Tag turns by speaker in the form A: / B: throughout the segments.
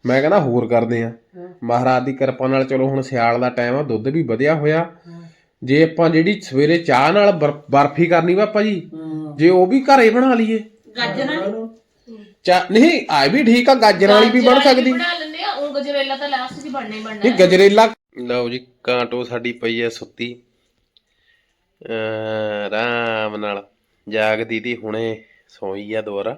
A: ਮੈਂ ਕਹਿੰਦਾ ਹੋਰ ਕਰਦੇ ਆ ਮਹਾਰਾਜ ਦੀ ਕਿਰਪਾ ਨਾਲ। ਚਲੋ ਹੁਣ ਸਿਆਲ ਦਾ ਟਾਈਮ ਆ, ਦੁੱਧ ਵੀ ਵਧਿਆ ਹੋਇਆ। ਜੇ ਆਪਾਂ ਜਿਹੜੀ ਸਵੇਰੇ ਚਾਹ ਨਾਲ ਬਰਫੀ ਕਰਨੀ ਪਾਪਾ ਜੀ, ਜੇ ਉਹ ਵੀ ਘਰੇ ਬਣਾ ਲਈਏ ਨਹੀਂ ਆ ਵੀ ਠੀਕ ਆ, ਗਾਜਰਾਂ ਵਾਲੀ ਵੀ ਬਣ ਸਕਦੀ।
B: ਗਜਰੇਲਾ ਤਾਂ ਲਾਸਟ 'ਚ ਬਣਨਾ ਹੀ ਬਣਨਾ।
A: ਨਹੀਂ ਗਜਰੇਲਾ। ਲਓ ਜੀ ਕਾਂਟੋ ਸਾਡੀ ਪਈ ਐ ਸੁੱਤੀ ਆਰਾਮ ਨਾਲ, ਜਾਗਦੀ ਤੀ ਹੁਣੇ ਸੋਈ ਆ ਦੁਬਾਰਾ।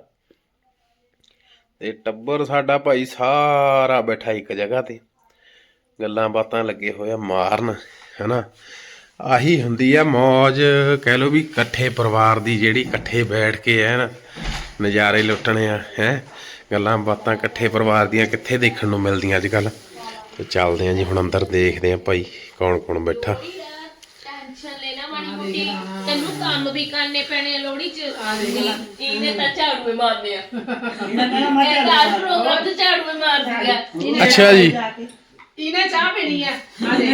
A: ਤੇ ਟੱਬਰ ਸਾਡਾ ਭਾਈ ਸਾਰਾ ਬੈਠਾ ਇੱਕ ਜਗ੍ਹਾ ਤੇ, ਗੱਲਾਂ ਬਾਤਾਂ ਲੱਗੇ ਹੋਇਆ ਮਾਰਨ, ਹਨਾ। ਆਹੀ ਹੁੰਦੀ ਆ ਮੌਜ, ਕਹਿ ਲਓ ਵੀ ਇਕੱਠੇ ਪਰਿਵਾਰ ਦੀ, ਜਿਹੜੀ ਇਕੱਠੇ ਬੈਠ ਕੇ ਹੈ ਨਾ ਨਜ਼ਾਰੇ ਲੁੱਟਣੇ ਆ ਹੈ। ਗੱਲਾਂ ਬਾਤਾਂ ਇਕੱਠੇ ਪਰਿਵਾਰ ਦੀਆਂ ਕਿੱਥੇ ਦੇਖਣ ਨੂੰ ਮਿਲਦੀਆਂ ਅੱਜ ਕੱਲ੍ਹ। ਤੇ ਚੱਲਦੇ ਆ ਜੀ ਹੁਣ ਅੰਦਰ, ਦੇਖਦੇ ਆ ਭਾਈ ਕੌਣ ਕੌਣ ਬੈਠਾ।
B: ਟੈਨਸ਼ਨ ਲੈਣਾ ਮਾੜੀ ਮੋਟੀ, ਤੈਨੂੰ ਕੰਮ ਵੀ ਕਰਨੇ ਪੈਣੇ ਆ ਲੋਹੜੀ 'ਚ। ਇਹਨੇ ਤਾਂ ਝਾੜੂ ਮਾਰਨੇ ਆ, ਇਹ ਤਾਂ ਪ੍ਰੋਗਰਾਮ ਤੇ ਝਾੜੂ ਮਾਰ ਦਿਆ।
A: ਅੱਛਾ ਜੀ,
C: ਇਹਨੇ ਚਾਹ ਪੀਣੀ ਆ,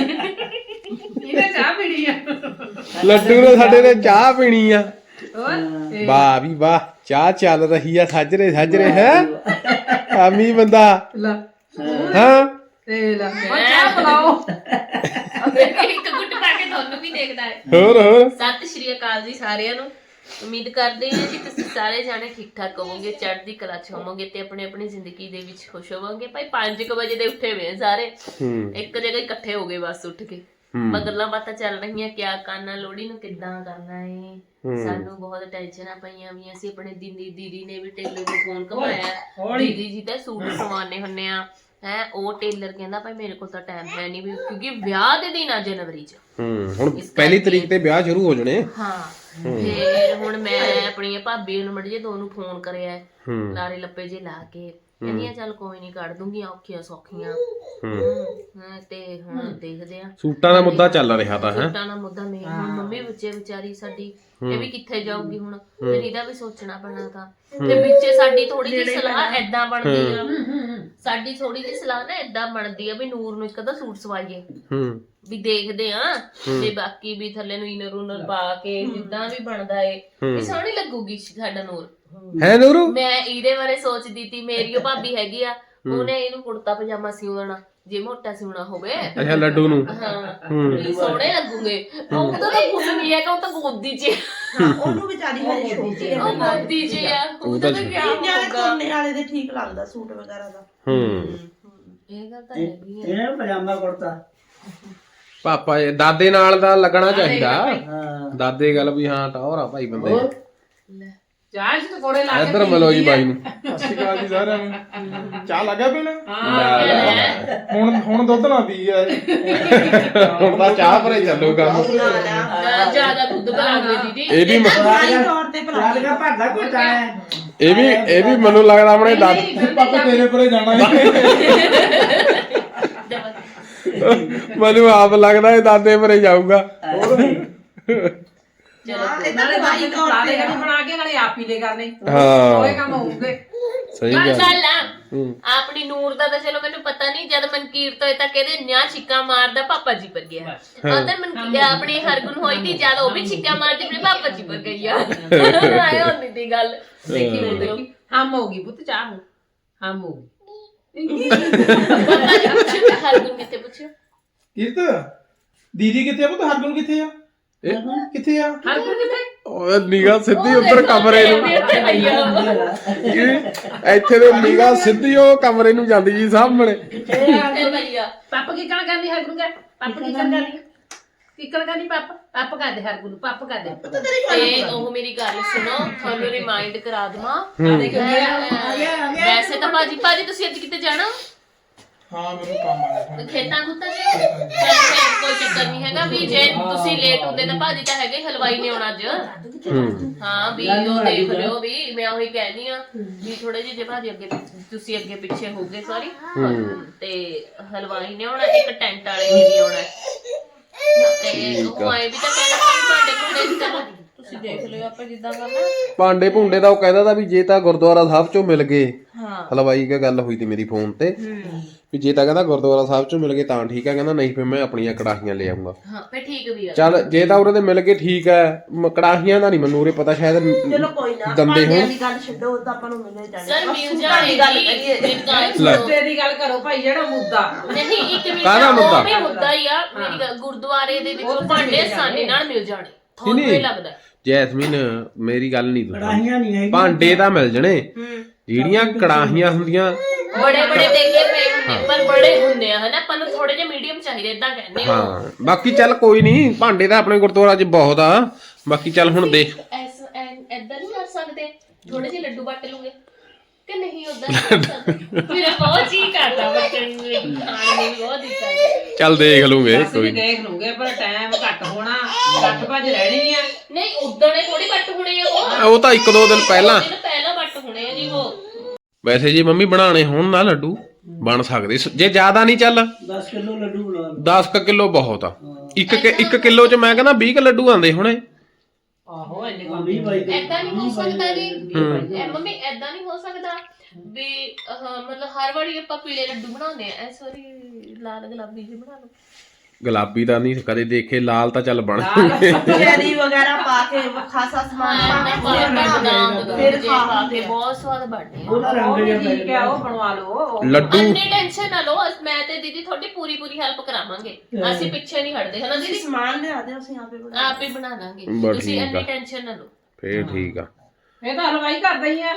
C: ਇਹਨੇ ਚਾਹ ਪੀਣੀ ਆ।
A: ਲੱਡੂ ਨੇ ਸਾਡੇ ਨੇ ਚਾਹ ਪੀਣੀ ਆ। ਵਾਹ ਵੀ ਵਾਹ, ਚਾਹ ਚੱਲ ਰਹੀ ਆ ਸਾਜਰੇ ਸਾਜਰੇ ਹੈ। ਆਮੀ ਬੰਦਾ ਹਾਂ
C: ਤੇ ਲਾ ਚਾਹ ਪਿਲਾਓ।
B: ਇੱਕ ਗੁੱਟ ਪਾ ਕੇ ਤੁਹਾਨੂੰ ਵੀ ਦੇਖਦਾ ਹੈ।
A: ਹੋਰ
B: ਸਤਿ ਸ਼੍ਰੀ ਅਕਾਲ ਜੀ ਸਾਰਿਆਂ ਨੂੰ। ਉਮੀਦ ਕਰਦੇ ਹਾਂ ਜੀ ਤੁਸੀਂ ਸਾਰੇ ਜਾਣੇ ਠੀਕ ਠਾਕ ਹੋਵੋਗੇ, ਚੜ੍ਹਦੀ ਕਲਾ 'ਚ ਹੋਵੋਗੇ ਤੇ ਆਪਣੀ ਆਪਣੀ ਜ਼ਿੰਦਗੀ ਦੇ ਵਿੱਚ ਖੁਸ਼ ਹੋਵੋਗੇ। ਭਾਈ 5 ਵਜੇ ਦੇ ਉੱਠੇ ਹੋਏ ਸਾਰੇ, ਇੱਕ ਜਗ੍ਹਾ ਇਕੱਠੇ ਹੋ ਗਏ ਬਸ ਉੱਠ ਕੇ। ਗੱਲਾਂ ਬਾਤਾਂ ਚੱਲ ਰਹੀਆਂ, ਕਿਆ ਕਰਨਾ, ਲੋਹੜੀ ਨੂੰ ਕਿੱਦਾਂ ਕਰਨਾ ਹੈ। ਸਾਨੂੰ ਬਹੁਤ ਟੈਨਸ਼ਨਾਂ ਪਈਆਂ ਵੀ। ਅਸੀਂ ਆਪਣੇ ਦੀਦੀ ਨੇ ਵੀ ਟੇਲਰ ਨੂੰ ਫੋਨ ਘਮਾਇਆ, ਦੀਦੀ ਜੀ ਤਾਂ ਸੂਟ ਸਵਾਉਣੇ ਹੁੰਨੇ ਆ ਹੈ। ਉਹ ਟੇਲਰ ਕਹਿੰਦਾ ਭਾਈ ਮੇਰੇ ਕੋਲ ਤਾਂ ਟਾਈਮ ਹੈ ਨਹੀਂ ਵੀ, ਕਿਉਂਕਿ ਵਿਆਹ ਦੇ ਦਿਨ ਆ ਜਨਵਰੀ 'ਚ। ਹੁਣ 1 ਤਰੀਕ ਤੇ ਵਿਆਹ ਸ਼ੁਰੂ ਹੋ ਜਾਣੇ। ਹਾਂ ਫੇਰ ਹੁਣ ਮੈਂ ਆਪਣੀਆਂ ਭਾਬੀ ਨੂੰ ਮੜੀ ਜੇ ਦੋਨੋਂ ਫੋਨ ਕਰਿਆ, ਲਾਰੇ ਲੱਪੇ ਜੇ ਲਾ ਕੇ, ਕਹਿੰਦੀਆਂ ਚੱਲ ਕੋਈ ਨੀ ਕੱਢ ਦੂੰਗੀ ਔਖੀਆਂ ਸੌਖੀਆਂ। ਤੇ ਹੁਣ ਦੇਖਦੇ ਆ। ਸੂਟਾਂ ਦਾ ਮੁੱਦਾ ਚੱਲ ਰਿਹਾ ਤਾਂ ਹੈ, ਸੂਟਾਂ ਦਾ ਮੁੱਦਾ ਮੇਨ। ਹੁਣ ਮੰਮੀ ਬੱਚੇ ਵਿਚਾਰੀ ਸਾਡੀ, ਇਹ ਵੀ ਕਿੱਥੇ ਜਾਊਗੀ ਹੁਣ, ਫਿਰ ਇਹਦਾ ਵੀ ਸੋਚਣਾ ਪੈਣਾ ਤਾਂ। ਤੇ ਵਿੱਚੇ ਸਾਡੀ ਥੋੜੀ ਜਿਹੀ ਸਲਾਹ ਏਦਾਂ ਬਣਦੀ ਆ, ਸਾਡੀ ਥੋੜੀ ਜਿਹੀ ਸਲਾਹ ਨਾ ਏਦਾਂ ਬਣਦੀ ਆ ਵੀ ਨੂਰ ਨੂੰ ਇੱਕ ਅੱਧਾ ਸੂਟ ਸਵਾਈਏ, ਵੀ ਦੇਖਦੇ ਆ ਤੇ ਬਾਕੀ ਵੀ ਥੱਲੇ ਨੂੰ ਇਨਰ ਉਨਰ ਪਾ ਕੇ ਜਿੱਦਾਂ ਵੀ ਬਣਦਾ ਏ ਵੀ ਸੋਹਣੀ ਲੱਗੂਗੀ ਸਾਡਾ ਨੂਰ ਹੈ। ਨੂਰੂ ਮੈਂ ਇਹਦੇ ਬਾਰੇ ਸੋਚਦੀ ਤੀ, ਮੇਰੀ ਉਹ ਭਾਬੀ ਹੈਗੀ ਆ, ਉਹਨੇ ਇਹਨੂੰ ਕੁੜਤਾ ਪਜਾਮਾ ਸਿਉਣਾ ਜੇ ਮੋਟਾ ਸਿਉਣਾ ਹੋਵੇ। ਅੱਛਾ ਲੱਡੂ ਨੂੰ ਹਾਂ ਸੋਹਣੇ ਲੱਗੂਗੇ। ਉਹ ਤਾਂ ਕੁਝ ਨਹੀਂ ਹੈਗਾ, ਉਹ ਤਾਂ ਗੋਦੀ 'ਚ
D: ਉਹਨੂੰ ਵਿਚਾਰੀ ਹਜੇ ਛੋਟੀ ਆ,
B: ਉਹ ਗੋਦੀ 'ਚ ਆ। ਉਹ ਤਾਂ
D: ਕੋਨੇ ਵਾਲੇ ਦੇ ਠੀਕ ਲੱਗਦਾ ਸੂਟ ਵਗੈਰਾ ਦਾ।
B: ਇਹ ਗੱਲ ਤਾਂ ਹੈਗੀ ਆ।
E: ਇਹਨੇ ਪਜਾਮਾ ਕੁੜਤਾ
A: ਪਾਪਾ ਦਾਦੇ ਨਾਲ ਦਾ ਲੱਗਣਾ ਚਾਹੀਦਾ। ਦਾਦੇ ਗੱਲ ਵੀ ਹਾਂ ਟੌਰ ਆ ਭਾਈ ਬੰਦੇ।
C: ਚਾਹ 'ਚ ਪਕੌੜੇ ਲਾ ਕੇ
A: ਇੱਧਰ ਮਿਲੋ ਜੀ ਬਾਈ ਨੂੰ।
F: ਸਤਿ ਸ਼੍ਰੀ ਅਕਾਲ ਜੀ ਸਾਰਿਆਂ ਨੂੰ। ਚਾਹ ਲੱਗਾ ਪੀਣ? ਹੁਣ ਦੁੱਧ ਨਾ ਪੀ ਆ।
A: ਹੁਣ ਤਾਂ ਚਾਹ ਭਰੇ ਚੱਲੂਗਾ।
B: ਜ਼ਿਆਦਾ ਦੁੱਧ ਬਣਾਉਂਦੇ ਦੀਦੀ।
A: ਇਹ ਵੀ
D: ਤੌਰ ਤੇ ਭਲਾ
E: ਲੱਗਾ ਭਰਦਾ ਕੋਈ ਚਾਹ।
A: ਇਹ ਵੀ ਮੈਨੂੰ ਲੱਗਦਾ ਆਪਣੇ ਦਾਦੇ
F: ਪਾਪਾ ਤੇਰੇ ਪਰੇ ਜਾਣਾ
A: ਮੈਨੂੰ ਆਪ ਲੱਗਦਾ ਇਹ ਦਾਦੇ ਭਰੇ ਜਾਊਗਾ।
C: ਨਾਲੇ ਬਾਈ ਤੌਰ ਤੇ ਬਣਾ ਕੇ ਨਾਲੇ ਆਪ ਹੀ ਲੈ ਕਰਨੇ।
A: ਹਾਂ
C: ਦੋਏ ਕੰਮ ਹੋਊਗੇ।
A: ਸਹੀ ਗੱਲ
B: ਆ। ਆਪਣੀ ਨੂਰ ਦਾ ਤਾਂ ਚਲੋ ਮੈਨੂੰ ਪਤਾ ਨਹੀਂ, ਜਦ ਮਨਕੀਰਤ ਹੋਏ ਤਾਂ ਕਹਿੰਦੇ ਨਿਆ ਛਿੱਕਾ ਮਾਰਦਾ ਪਾਪਾ ਜੀ ਪਰ ਗਿਆ। ਉਧਰ ਮਨਕੀਰਤ ਆਪਣੀ ਹਰਗੁਣ ਹੋਈ ਤੀ, ਜਦ ਉਹ ਵੀ ਛਿੱਕਾ ਮਾਰਦੀ ਆਪਣੇ ਪਾਪਾ ਜੀ ਪਰ ਗਈ ਆ। ਆਏ ਹੁੰਦੀ ਤੀ ਗੱਲ। ਦੇਖੀ
C: ਹਮ ਹੋਗੀ ਪੁੱਤ ਚਾਹ ਨੂੰ ਹਮ ਹੋਗੀ।
B: ਪਾਪਾ ਜੀ ਪੁੱਛਿਆ ਹਰਗੁਣ ਕਿੱਥੇ ਪੁੱਛਿਆ?
F: ਕੀਰਤ ਦੀਦੀ ਕਿੱਥੇ ਆ? ਪੁੱਤ ਹਰਗੁਣ ਕਿੱਥੇ ਆ? ਕਿੱਥੇ ਆ?
C: ਹਰਗੁਣ ਕਿੱਥੇ?
A: ਉਹ ਨਿਗਾਹ ਸਿੱਧੀ ਉੱਧਰ ਕਮਰੇ ਨੂੰ, ਇੱਥੇ ਦੇ ਨਿਗਾਹ ਸਿੱਧੀ ਉਹ ਕਮਰੇ ਨੂੰ ਜਾਂਦੀ ਜੀ ਸਾਹਮਣੇ।
C: ਪਾਪਾ ਕੀ ਕਹਿਣਾ ਕਰਨੀ ਹਰਗੁਣ ਕਾ? ਪਾਪਾ ਕੀ ਕਹਿਣਾ ਕਰਨੀ? ਕਿੱਕਣ ਕਰਨੀ ਪਾਪਾ? ਪਾਪਾ ਕਰਦੇ ਹਰਗੁਣ ਨੂੰ, ਪਾਪਾ ਕਰਦੇ।
B: ਤੇ ਉਹ ਮੇਰੀ ਗੱਲ ਸੁਣੋ, ਤੁਹਾਨੂੰ ਰਿਮਾਈਂਡ ਕਰਾ ਦਵਾਂ। ਵੈਸੇ ਤਾਂ ਭਾਜੀ ਤੁਸੀਂ ਅੱਜ ਕਿਤੇ ਜਾਣਾ?
F: ਹਾਂ ਮੈਨੂੰ ਕੰਮ ਆਇਆ
B: ਖੇਤਾਂ ਖੁੱਤਾਂ 'ਚ। ਕੋਈ ਚੱਕਰ ਨਹੀਂ ਹੈਗਾ ਵੀ ਜੇ ਤੁਸੀਂ ਲੇਟ ਹੁੰਦੇ ਤਾਂ ਭਾਜੀ ਤਾਂ ਹੈਗੇ ਹਲਵਾਈ ਨੇ ਆਉਣਾ ਅੱਜ। ਹਾਂ ਵੀ ਉਹ ਦੇਖ ਲਿਓ ਵੀ ਮੈਂ ਉਹੀ ਕਹਿਨੀ ਆ ਵੀ ਥੋੜੇ ਜਿਹੇ ਜੇ ਭਾਜੀ ਅੱਗੇ ਤੁਸੀਂ ਅੱਗੇ ਪਿੱਛੇ ਹੋ ਗਏ ਸੌਰੀ। ਤੇ ਹਲਵਾਈ ਨੇ ਆਉਣਾ, ਇੱਕ ਟੈਂਟ ਵਾਲੇ ਨੇ ਵੀ ਆਉਣਾ। ਤੇ ਉਹ ਆਏ ਵੀ ਤਾਂ ਕਹਿਣਾ ਭਾਂਡੇ ਭੁੰਡੇ ਚਲੋ ਤੁਸੀਂ ਦੇਖ ਲਿਓ ਆਪਾਂ ਜਿੱਦਾਂ ਕਰਨਾ।
A: ਭਾਂਡੇ ਭੁੰਡੇ ਦਾ ਉਹ ਕਹਿੰਦਾ ਤਾਂ ਵੀ ਜੇ ਤਾਂ ਗੁਰਦੁਆਰਾ ਸਾਹਿਬ ਚੋਂ ਮਿਲ ਗਏ,
B: ਹਾਂ
A: ਹਲਵਾਈ ਕੀ ਗੱਲ ਹੋਈ ਤੀ ਮੇਰੀ ਫੋਨ ਤੇ ਵੀ ਜੇ ਤਾਂ ਕਹਿੰਦਾ ਗੁਰਦੁਆਰਾ ਸਾਹਿਬ ਚੋਂ ਮਿਲ ਗਏ ਤਾਂ ਠੀਕ ਆ, ਕਹਿੰਦਾ ਨਹੀਂ ਫਿਰ ਮੈਂ ਆਪਣੀਆਂ ਕੜਾਹੀਆਂ ਲੈ ਆਉਂਗਾ।
B: ਹਾਂ ਫੇ ਠੀਕ ਵੀ ਆ।
A: ਚੱਲ ਜੇ ਤਾਂ ਉਰੇ ਤੇ ਮਿਲ ਗਏ ਠੀਕ ਹੈ, ਕੜਾਹੀਆਂ ਦਾ ਨਹੀਂ ਮੈਨੂੰ ਉਰੇ ਪਤਾ, ਸ਼ਾਇਦ
D: ਚਲੋ ਕੋਈ ਨਾ,
A: ਦੰਦੇ
D: ਭਾਂਡਿਆਂ
A: ਹੋਣ।
D: ਦੀ ਗੱਲ ਛੱਡੋ, ਉਹ ਤਾਂ ਆਪਾਂ ਨੂੰ ਮਿਲੇ ਜਾਣੇ।
B: ਸਰ
D: ਬਸ
B: ਮਿਲ
D: ਸੂਟਾਂ
B: ਜਾਣੇ
D: ਦੀ ਗੱਲ
B: ਜੀ,
D: ਕਰੀਏ।
B: ਮੇਰੀ ਗੱਲ
A: ਲੈ।
B: ਸੁਣੋ।
C: ਮੁੱਦੇ ਦੀ ਗੱਲ ਕਰੋ ਭਾਈ, ਜਿਹੜਾ ਮੁੱਦਾ
B: ਨਹੀਂ ਇੱਕ ਮਿੰਟ,
A: ਕਾਹਦਾ ਮੁੱਦਾ?
B: ਉਹ ਵੀ ਮੁੱਦਾ ਹੀ ਆ। ਮੇਰੀ ਗੱਲ, ਗੁਰਦੁਆਰੇ ਦੇ ਵਿੱਚ ਭਾਂਡੇ ਆਸਾਨੀ ਨਾਲ ਮਿਲ ਜਾਣੇ, ਤੁਹਾਨੂੰ
A: ਨਹੀਂ।
B: ਇਹ ਲੱਗਦਾ?
A: ਜੈਸਮੀਨ ਮੇਰੀ ਗੱਲ ਨਹੀਂ
E: ਕੜਾਹੀਆਂ ਨਹੀਂ ਹੈਗੀਆਂ।
A: ਭਾਂਡੇ ਤਾਂ ਮਿਲ ਜਣੇ, ਜਿਹੜੀਆਂ ਕੜਾਹੀਆਂ ਹੁੰਦੀਆਂ
B: ਬੜੇ ਬੜੇ ਟੇਕੇ ਪਏ ਹੁੰਦੇ, ਪਰ ਬੜੇ ਹੁੰਦੇ ਆ ਹਨਾ, ਆਪਾਂ ਨੂੰ ਥੋੜੇ ਜਿਹੇ ਮੀਡੀਅਮ ਚਾਹੀਦੇ, ਇਦਾਂ ਕਹਿੰਦੇ ਹੋ।
A: ਹਾਂ ਬਾਕੀ ਚੱਲ ਕੋਈ ਨਹੀਂ, ਭਾਂਡੇ ਤਾਂ ਆਪਣੇ ਗੁਰਦੁਆਰਾ 'ਚ ਬਹੁਤ ਆ। ਬਾਕੀ ਚੱਲ ਹੁਣ ਦੇਖ
B: ਏਦਾਂ ਨਹੀਂ ਕਰ ਸਕਦੇ, ਥੋੜੇ ਜਿਹੇ ਲੱਡੂ ਵੱਟ ਲੂਗੇ ਕਿ ਨਹੀਂ? ਉਦਾਂ ਮੇਰਾ ਬਹੁਤ ਜੀ ਕਰਦਾ ਬੱਚਣ ਨੂੰ ਖਾਣ ਨੂੰ, ਬਹੁਤ ਦਿੱਤਾ।
A: ਚੱਲ ਦੇਖ ਲੂਗੇ
C: ਅਸੀਂ
A: ਕੋਈ
C: ਵੀ ਦੇਖ ਲੂਗੇ, ਪਰ ਟਾਈਮ ਘੱਟ ਹੋਣਾ, ਘੱਟ ਭੱਜ ਰਹਿਣੀ ਆ।
B: ਨਹੀਂ ਉਦੋਂ ਨੇ ਥੋੜੀ ਵੱਟ ਹੋਣੇ ਆ,
A: ਉਹ ਤਾਂ 1-2 ਦਿਨ ਪਹਿਲਾਂ।
B: ਪਹਿਲਾਂ ਵੱਟ ਹੋਣੇ ਆ ਜੀ ਉਹ।
A: ਵੈਸੇ ਜੀ ਮੰਮੀ ਬਣਾਣੇ ਹੋਣ ਨਾ ਲੱਡੂ ਬਣ ਸਕਦੇ, ਜੇ ਜ਼ਿਆਦਾ ਨਹੀਂ ਚੱਲ
E: 10 ਕਿਲੋ ਲੱਡੂ ਬਣਾ ਲਓ।
A: 10 ਕਿਲੋ ਬਹੁਤ ਆ। 1 ਕਿਲੋ 'ਚ ਮੈਂ ਕਹਿੰਦਾ 20 ਲੱਡੂ ਆਉਂਦੇ ਹੁਣੇ।
C: ਆਹੋ ਇੰਨੇ
E: ਹਾਂ, 20 22 ਕਿਲੋ।
B: ਏਦਾਂ ਨਹੀਂ ਹੋ ਸਕਦਾ ਜੀ। ਮੰਮੀ ਏਦਾਂ ਨਹੀਂ ਹੋ ਸਕਦਾ ਵੀ ਮਤਲਬ ਹਰ ਵਾਰੀ ਆਪਾਂ ਪੀਲੇ ਲੱਡੂ ਬਣਾਉਂਦੇ ਆ, ਇਸ ਵਾਰੀ ਲਾਲ ਗੁਲਾਬੀ ਜਿਹੇ ਬਣਾ ਲਓ।
A: ਗੁਲਾਬੀ ਦਾ ਨਹੀਂ ਕਦੇ ਦੇਖੇ, ਲਾਲ ਤਾਂ ਚੱਲ ਬਣ
D: ਚੈਰੀ ਵਗੈਰਾ ਪਾ ਕੇ ਖਾਸਾ ਸਮਾਨ ਪਾ ਕੇ
B: ਫਿਰ ਖਾ ਕੇ ਬਹੁਤ ਸਵਾਦ ਬਣਦੇ ਆ।
E: ਉਹਦਾ ਰੰਗ ਜਿਹਾ ਪੈ
C: ਠੀਕ ਆ, ਉਹ ਬਣਵਾ ਲਓ।
A: ਲੱਡੂ।
B: ਅੰਨੇ ਟੈਨਸ਼ਨ ਨਾ ਲਓ, ਮੈਂ ਤੇ ਦੀਦੀ ਤੁਹਾਡੀ ਪੂਰੀ ਹੈਲਪ ਕਰਾਵਾਂਗੇ, ਅਸੀਂ ਪਿੱਛੇ ਨਹੀਂ ਹਟਦੇ ਹਨਾ ਦੀਦੀ।
D: ਸਮਾਨ ਲਿਆ ਦੇ, ਅਸੀਂ ਆਪੇ ਬਣਾ
B: ਆਪ ਹੀ ਬਣਾ ਲਾਂਗੇ,
A: ਬਸ
B: ਤੁਸੀਂ
A: ਠੀਕ
B: ਅੰਨੀ
A: ਆ।
B: ਟੈਨਸ਼ਨ ਨਾ ਲਓ।
A: ਫੇਰ ਠੀਕ ਆ।
C: ਇਹ ਤਾਂ ਹਲਵਾਈ ਕਰਦਾ ਹੀ ਆ।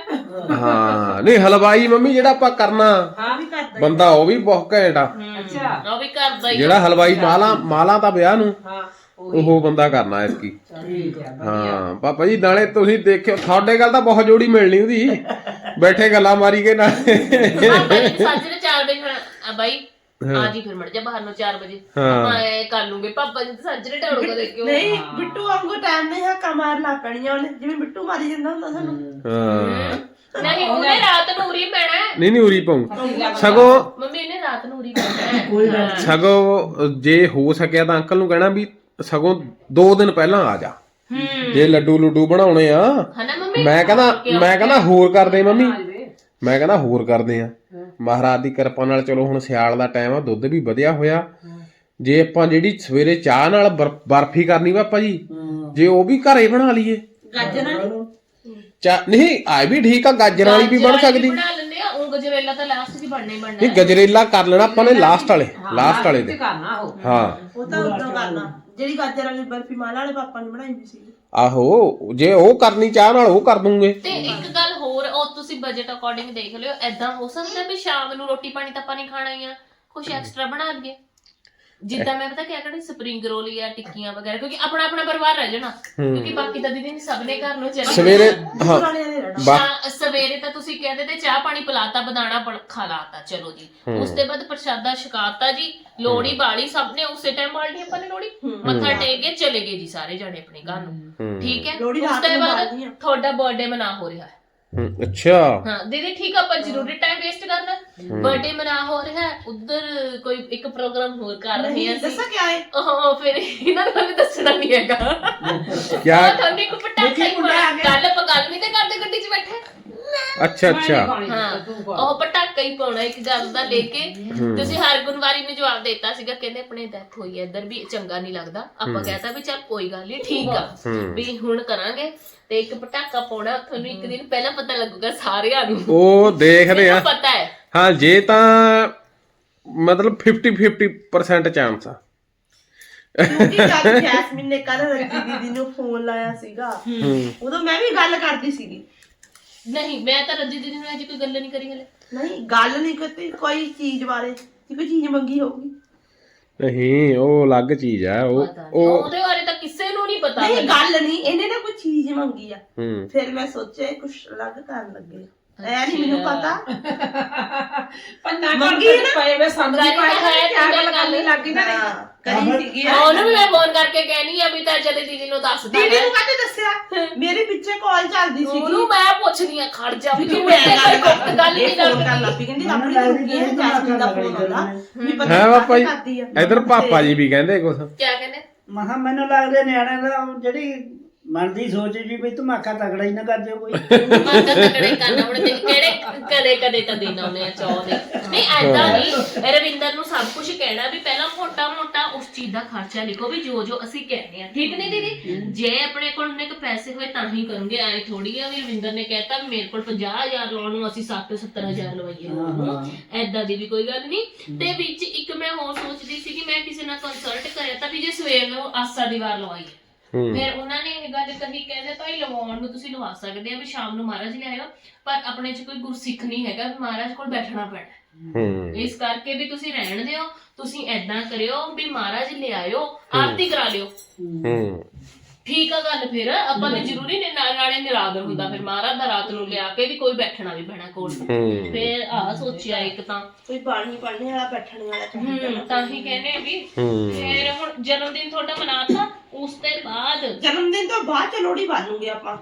A: ਹਾਂ ਨਹੀਂ ਹਲਵਾਈ ਮੰਮੀ ਜਿਹੜਾ ਆਪਾਂ ਕਰਨਾ
C: ਹਾਂ
D: ਵੀ ਕਰਦਾ
A: ਬੰਦਾ ਉਹ ਵੀ ਬਹੁਤ ਘੈਂਟ ਆ।
C: ਅੱਛਾ
B: ਉਹ ਵੀ ਕਰਦਾ ਹੀ ਆ।
A: ਜਿਹੜਾ ਹਲਵਾਈ ਮਾਲਾ ਤਾਂ ਵਿਆਹ ਨੂੰ
C: ਹਾਂ
A: ਉਹ ਬੰਦਾ ਕਰਨਾ ਐਤਕੀ।
C: ਠੀਕ ਆ।
A: ਹਾਂ ਪਾਪਾ ਜੀ ਨਾਲੇ ਤੁਸੀਂ ਦੇਖਿਓ, ਤੁਹਾਡੇ ਗੱਲ ਤਾਂ ਬਹੁਤ ਜੋੜੀ ਮਿਲਣੀ ਉਹਦੀ, ਬੈਠੇ ਗੱਲਾਂ ਮਾਰੀ ਕੇ ਨਾਲ।
B: ਪਾਪਾ ਜੀ ਸਾਜਰੇ 4 ਵਜੇ ਆ ਬਾਈ, ਆ ਜੀ ਫਿਰ ਮੜ ਜਾ ਬਾਹਰ ਨੂੰ 4 ਵਜੇ ਆਪਾਂ ਐ ਕਰ ਲੂਗੇ। ਪਾਪਾ ਜੀ ਸਾਜਰੇ ਢਾੜੂਗਾ ਦੇਖਿਓ।
D: ਨਹੀਂ ਬਿੱਟੂ ਵਾਂਗੂ ਟਾਈਮ ਨਹੀਂ ਹੈ, ਕਮਾਰ ਲਾ ਪੈਣੀਆਂ ਉਹਨੇ, ਜਿਵੇਂ ਬਿੱਟੂ ਮਾਰੀ ਜਾਂਦਾ ਹੁੰਦਾ ਸਾਨੂੰ।
A: ਹਾਂ
B: ਨਹੀਂ ਉਹਨੇ ਰਾਤ ਨੂੰ ਉਰੀ ਪੈਣਾ ਹੈ।
A: ਨਹੀਂ ਉਰੀ ਪਾਉ ਸਗੋਂ,
B: ਮੰਮੀ ਨੇ ਰਾਤ ਨੂੰ ਉਰੀ ਪੈਣਾ ਹੈ।
E: ਕੋਈ ਗੱਲ
A: ਸਗੋਂ ਜੇ ਹੋ ਸਕਿਆ ਤਾਂ ਅੰਕਲ ਨੂੰ ਕਹਿਣਾ ਵੀ ਸਗੋਂ 2 ਦਿਨ ਪਹਿਲਾਂ ਆ ਜਾ, ਜੇ ਲੱਡੂ ਬਣਾਉਣੇ ਆ।
B: ਹਨਾ ਮੰਮੀ?
A: ਮੈਂ ਕਹਿੰਦਾ ਹੋਰ ਕਰਦੇ ਮੰਮੀ, ਮੈਂ ਕਹਿੰਦਾ ਹੋਰ ਕਰਦੇ ਆ। ਮਹਾਰਾਜ ਦੀ ਕਿਰਪਾ ਨਾਲ ਚਲੋ ਹੁਣ ਸਿਆਲ ਦਾ ਟਾਈਮ ਆ, ਦੁੱਧ ਵੀ ਵਧਿਆ ਹੋਇਆ। ਜੇ ਆਪਾਂ ਜਿਹੜੀ ਸਵੇਰੇ ਚਾਹ ਨਾਲ ਬਰਫੀ ਕਰਨੀ ਵਾ ਆਪਾਂ ਜੀ, ਜੇ ਉਹ ਵੀ ਘਰੇ ਬਣਾ ਲਈਏ,
D: ਗਾਜਰਾਂ ਨਹੀਂ
A: ਚਾਹ ਨਹੀਂ ਆਏ ਵੀ ਠੀਕ ਆ, ਗਾਜਰਾਂ ਵਾਲੀ ਵੀ ਬਣ ਸਕਦੀ।
B: ਬਣਾ ਲੈਂਦੇ ਆ, ਉਹ ਗਜਰੇਲਾ ਤਾਂ ਲਾਸਟ 'ਚ ਬਣਨਾ ਹੀ ਬਣਨਾ
A: ਨਹੀਂ ਗਜਰੇਲਾ ਕਰ ਲੈਣਾ ਆਪਾਂ ਨੇ ਲਾਸਟ ਵਾਲੇ ਦੇ।
C: ਕਰਨਾ ਉਹ।
A: ਹਾਂ
D: ਉਹ ਤਾਂ ਉਦੋਂ ਕਰਨਾ, ਜਿਹੜੀ ਗਾਜਰ ਵਾਲੀ ਬਰਫੀ ਮਾਲਾ ਵਾਲੇ ਪਾਪਾ ਨੇ ਬਣਾਈ ਵੀ ਸੀ।
A: ਆਹੋ ਜੇ ਉਹ ਕਰਨੀ ਚਾਹ ਨਾਲ ਉਹ ਕਰ ਦੂੰਗੇ।
B: ਤੇ ਇੱਕ ਗੱਲ ਹੋਰ, ਉਹ ਤੁਸੀਂ ਬਜਟ ਅਕੋਰਡਿੰਗ ਦੇਖ ਲਿਓ। ਐਦਾਂ ਹੋ ਸਕਦਾ ਵੀ ਸ਼ਾਮ ਨੂੰ ਰੋਟੀ ਪਾਣੀ ਤਾਂ ਆਪਾਂ ਨਹੀਂ ਖਾਣਾ ਹੀ ਆ, ਕੁਝ ਐਕਸਟਰਾ ਬਣਾ ਲਈਏ। ਜਿੱਦਾਂ ਮੈਂ ਪਤਾ ਕਿਆ ਕਰਨੀ, ਸਪਰਿੰਗ ਰੋਲ ਜਾਂ ਟਿੱਕੀਆਂ ਵਗੈਰਾ, ਕਿਉਂਕਿ ਆਪਣਾ ਪਰਿਵਾਰ ਰਹਿ ਜਾਣਾ, ਕਿਉਂਕਿ ਬਾਕੀ ਤਾਂ ਦੀਦੀ ਸਭ ਨੇ ਘਰ ਨੂੰ ਚੱਲਣਾ।
A: ਸਵੇਰੇ ਹਾਂ
B: ਸਵੇਰੇ ਤਾਂ ਤੁਸੀਂ ਕਹਿੰਦੇ ਤੇ ਚਾਹ ਪਾਣੀ ਪਿਲਾਤਾ, ਬਦਾਨਾ ਖਲਾਤਾ, ਚਲੋ ਜੀ। ਉਸ ਤੋਂ ਬਾਅਦ ਪ੍ਰਸ਼ਾਦਾ ਛਕਾਤਾ ਜੀ, ਲੋੜੀ ਬਾਲੀ ਸਭ ਨੇ ਉਸੇ ਟਾਈਮ ਬਾਲਣੀ, ਆਪਾਂ ਨੇ ਲੋੜੀ ਮੱਥਾ ਟੇਕ ਕੇ ਚਲੇ ਗਏ ਜੀ ਸਾਰੇ ਜਾਣੇ ਆਪਣੇ ਘਰ ਨੂੰ, ਠੀਕ ਹੈ। ਉਸ ਤੋਂ ਬਾਅਦ ਤੁਹਾਡਾ ਬਰਥਡੇ ਮਨਾ ਹੋ ਰਿਹਾ ਹੈ।
A: ਅੱਛਾ
B: ਹਾਂ ਦੀਦੀ ਠੀਕ ਆ, ਆਪਾਂ ਜ਼ਰੂਰੀ ਟਾਈਮ ਵੇਸਟ ਕਰਨਾ। ਬਰਥਡੇ ਮਨਾ ਹੋ ਰਿਹਾ ਹੈ, ਉਧਰ ਕੋਈ ਇੱਕ ਪ੍ਰੋਗਰਾਮ ਹੋਰ ਕਰ ਰਹੇ ਆ
D: ਦੱਸਾਂ ਕਿਆ ਹੈ?
B: ਉਹ ਫਿਰ ਇਹਨਾਂ ਨੂੰ ਵੀ ਦੱਸਣਾ ਨਹੀਂ ਹੈਗਾ।
A: ਕਿਆ?
B: ਤੁਹਾਨੂੰ ਇੱਕ ਪਟਾਕਾ ਹੀ ਮਾਰਿਆ, ਕੱਲ ਆਪਾਂ ਗੱਲ ਨਹੀਂ ਤੇ ਕਰਦੇ ਗੱਡੀ 'ਚ ਬੈਠੇ।
A: ਅੱਛਾ
B: ਹਾਂ ਉਹ ਪਟਾਕਾ ਹੀ ਪਾਉਣਾ ਇੱਕ ਗੱਲ ਦਾ ਲੈ ਕੇ। ਤੁਸੀਂ ਹਰਗੁਣ ਵਾਰੀ ਨੂੰ ਜਵਾਬ ਦਿੱਤਾ ਸੀਗਾ, ਕਹਿੰਦੇ ਆਪਣੇ ਡੈਥ ਹੋਈ ਹੈ ਇੱਧਰ ਵੀ ਚੰਗਾ ਨਹੀਂ ਲੱਗਦਾ। ਆਪਾਂ ਕਹਿਤਾ ਵੀ ਚੱਲ ਕੋਈ ਗੱਲ ਨਹੀਂ, ਠੀਕ ਆ ਵੀ ਹੁਣ ਕਰਾਂਗੇ। ਤੇ ਇੱਕ ਪਟਾਕਾ ਪਾਉਣਾ, ਤੁਹਾਨੂੰ ਇੱਕ ਦਿਨ ਪਹਿਲਾਂ ਪਤਾ ਲੱਗੂਗਾ ਸਾਰਿਆਂ ਨੂੰ।
A: ਉਹ ਦੇਖਦੇ ਆ,
B: ਪਤਾ ਹੈ
A: ਹਾਂ ਜੇ ਤਾਂ ਮਤਲਬ 50% ਚਾਂਸ ਆ।
D: ਕਿਉਂਕਿ ਜਦ ਜੈਸਮੀਨ ਨੇ ਕੱਲ ਰੱਜੀ ਦੀਦੀ ਨੂੰ ਫੋਨ ਲਾਇਆ ਸੀਗਾ, ਉਦੋਂ ਮੈਂ ਵੀ ਗੱਲ ਕਰਦੀ ਸੀਗੀ।
B: ਨਹੀਂ ਮੈਂ ਤਾਂ ਰੱਜੀ ਦੀਦੀ ਨੂੰ ਅਜੇ ਕੋਈ ਗੱਲ ਨਹੀਂ ਕਰੀ ਹਲੇ।
D: ਨਹੀਂ ਗੱਲ ਨਹੀਂ ਕੀਤੀ ਕੋਈ ਚੀਜ਼ ਬਾਰੇ, ਕਿ ਕੋਈ ਚੀਜ਼ ਮੰਗੀ ਹੋਊਗੀ।
A: ਨਹੀਂ ਉਹ ਅਲੱਗ ਚੀਜ਼ ਆ।
B: ਉਹਦੇ ਬਾਰੇ ਤਾਂ ਕਿਸੇ ਨੂੰ ਨਹੀਂ ਪਤਾ।
D: ਨਹੀਂ ਗੱਲ ਨਹੀਂ, ਇਹਨੇ ਨਾ ਕੋਈ ਚੀਜ਼ ਮੰਗੀ ਆ, ਫਿਰ ਮੈਂ ਸੋਚਿਆ ਕੁਝ ਅਲੱਗ ਕਰਨ ਲੱਗੇ। ਐ ਨਹੀਂ ਮੈਨੂੰ ਪਤਾ
C: ਪੰਨਾ ਮੰਗੀ ਨਾ ਪਏ ਵੇ ਸਾਨੂੰ ਨਹੀਂ ਪਾਇਆ ਕਿਆ ਗੱਲ ਕਰਨੀ ਲੱਗੀ ਨਾ
D: ਕਰੀ ਸੀਗੀ।
B: ਉਹਨੂੰ ਵੀ ਮੈਂ ਫੋਨ ਕਰਕੇ ਕਹਿਣੀ ਆ ਵੀ ਤਾਂ ਜਦੇ ਦੀਦੀ ਨੂੰ ਦੱਸ ਦੇ।
D: ਦੀਦੀ ਨੂੰ ਕਾਹਤੇ ਦੱਸਿਆ? ਮੇਰੇ ਪਿੱਛੇ ਕਾਲ ਚੱਲਦੀ ਸੀ,
B: ਉਹਨੂੰ ਮੈਂ ਪੁੱਛਦੀ ਆ, ਖੜ ਜਾ ਵੀ ਤੂੰ
D: ਮੈਂ
B: ਮੇਰੇ ਕੋਲ ਗੁਪਤ ਗੱਲ ਨਹੀਂ
D: ਫੋਨ
B: ਕਰਦੀ।
D: ਕਰਨ ਲੱਗ ਪਈ, ਕਹਿੰਦੀ ਆਪਣੀ ਰੁਕੀ ਹੈ, ਜੈਸਮੀਨ ਦਾ ਫੋਨ ਆਉਂਦਾ ਵੀ ਪਤਾ
A: ਹੈ
D: ਨਹੀਂ
A: ਪਾਪਾ ਜੀ,
D: ਕਰਦੀ ਆ।
A: ਇਧਰ ਪਾਪਾ ਜੀ ਵੀ ਕਹਿੰਦੇ ਕੁਛ।
B: ਕਿਆ ਕਹਿੰਦੇ?
E: ਮਹਾ ਮੈਨੂੰ ਲੱਗਦੇ ਨਿਆਣਿਆਂ ਦਾ ਜਿਹੜੀ ਮਨ ਦੀ ਸੋਚ ਜੀ ਵੀ ਧਮਾਕਾ ਤਗੜਾ ਹੀ ਨਾ ਕਰ ਦਿਓ ਕੋਈ।
B: ਮਾਤਾ ਤਕੜੇ ਕਰਨਾ ਹੁਣ ਤੇ ਕਿਹੜੇ ਕਦੇ ਕਦੇ ਤਾਂ ਦਿਨ ਆਉਣੇ ਆ ਚਾਹ ਦੇ ਨਹੀਂ ਐਦਾਂ ਨਹੀਂ ਰਵਿੰਦਰ ਨੂੰ ਸਭ ਕੁਝ ਕਹਿਣਾ ਵੀ ਪਹਿਲਾਂ ਮੋਟਾ ਮੋਟਾ ਉਸ ਚੀਜ਼ ਦਾ ਖਰਚਾ ਲਿਖੋ ਵੀ ਜੋ ਜੋ ਅਸੀਂ ਕਹਿੰਦੇ ਆ ਠੀਕ ਨਹੀਂ ਦੀਦੀ ਜੇ ਆਪਣੇ ਕੋਲ ਉਹਨੇ ਕ ਪੈਸੇ ਹੋਏ ਤਾਂ ਹੀ ਕਰੂੰਗੇ ਐ ਥੋੜੀ ਆ ਵੀ ਰਵਿੰਦਰ ਨੇ ਕਹਿਤਾ ਵੀ ਮੇਰੇ ਕੋਲ 50,000 ਲਾਉਣ ਨੂੰ ਅਸੀਂ 60-70,000 ਲਵਾਈਏ ਐਦਾਂ ਦੀ ਵੀ ਕੋਈ ਗੱਲ ਨਹੀਂ ਤੇ ਵਿੱਚ ਇੱਕ ਮੈਂ ਹੋਰ ਸੋਚਦੀ ਸੀ ਕਿ ਮੈਂ ਕਿਸੇ ਨਾਲ ਕੰਸਲਟ ਕਰਿਆ ਤਾਂ ਵੀ ਜੇ ਸਵੇਰ ਨੂੰ ਆਸਾ ਦੀ ਵਾਰ ਲਵਾਈਏ ਫਿਰ ਉਹਨਾਂ ਨੇ ਇਹ ਗੱਲ ਕਹੀ ਕਹਿੰਦੇ ਭਾਈ ਲਵਾਉਣ ਨੂੰ ਤੁਸੀਂ ਲਵਾ ਸਕਦੇ ਆ ਵੀ ਸ਼ਾਮ ਨੂੰ ਮਹਾਰਾਜ ਲਿਆਇਓ ਪਰ ਆਪਣੇ 'ਚ ਕੋਈ ਗੁਰਸਿੱਖ ਨਹੀਂ ਹੈਗਾ ਵੀ ਮਹਾਰਾਜ ਕੋਲ ਬੈਠਣਾ ਪੈਣਾ ਇਸ ਕਰਕੇ ਵੀ ਤੁਸੀਂ ਰਹਿਣ ਦਿਓ ਤੁਸੀਂ ਐਦਾਂ ਕਰਿਓ ਵੀ ਮਹਾਰਾਜ ਲਿਆਇਓ ਆਰਤੀ ਕਰਾ ਲਿਓ ਠੀਕ ਆ ਗੱਲ ਫਿਰ ਆਪਾਂ ਨੇ ਜ਼ਰੂਰੀ ਨਹੀਂ ਨਾਲੇ ਨਿਰਾਦਰ ਹੁੰਦਾ ਫਿਰ ਮਹਾਰਾਜ ਦਾ ਰਾਤ ਨੂੰ ਲਿਆ ਕੇ ਵੀ ਕੋਈ ਬੈਠਣਾ ਵੀ ਪੈਣਾ ਕੋਲ ਫਿਰ ਆਹ ਸੋਚਿਆ ਇੱਕ ਤਾਂ
D: ਕੋਈ ਬਾਣੀ ਪੜ੍ਹਨੇ ਵਾਲਾ ਬੈਠਣ ਵਾਲਾ ਚਾਹੀਦਾ
B: ਤਾਂ ਹੀ ਕਹਿੰਦੇ ਵੀ ਫਿਰ ਹੁਣ ਜਨਮ ਦਿਨ ਤੁਹਾਡਾ ਮਨਾਤਾ ਉਸ ਤੋਂ ਬਾਅਦ
D: ਜਨਮ ਦਿਨ ਤੋਂ ਬਾਅਦ ਚ ਲੋਹੜੀ ਬਾਲੂਗੇ ਆਪਾਂ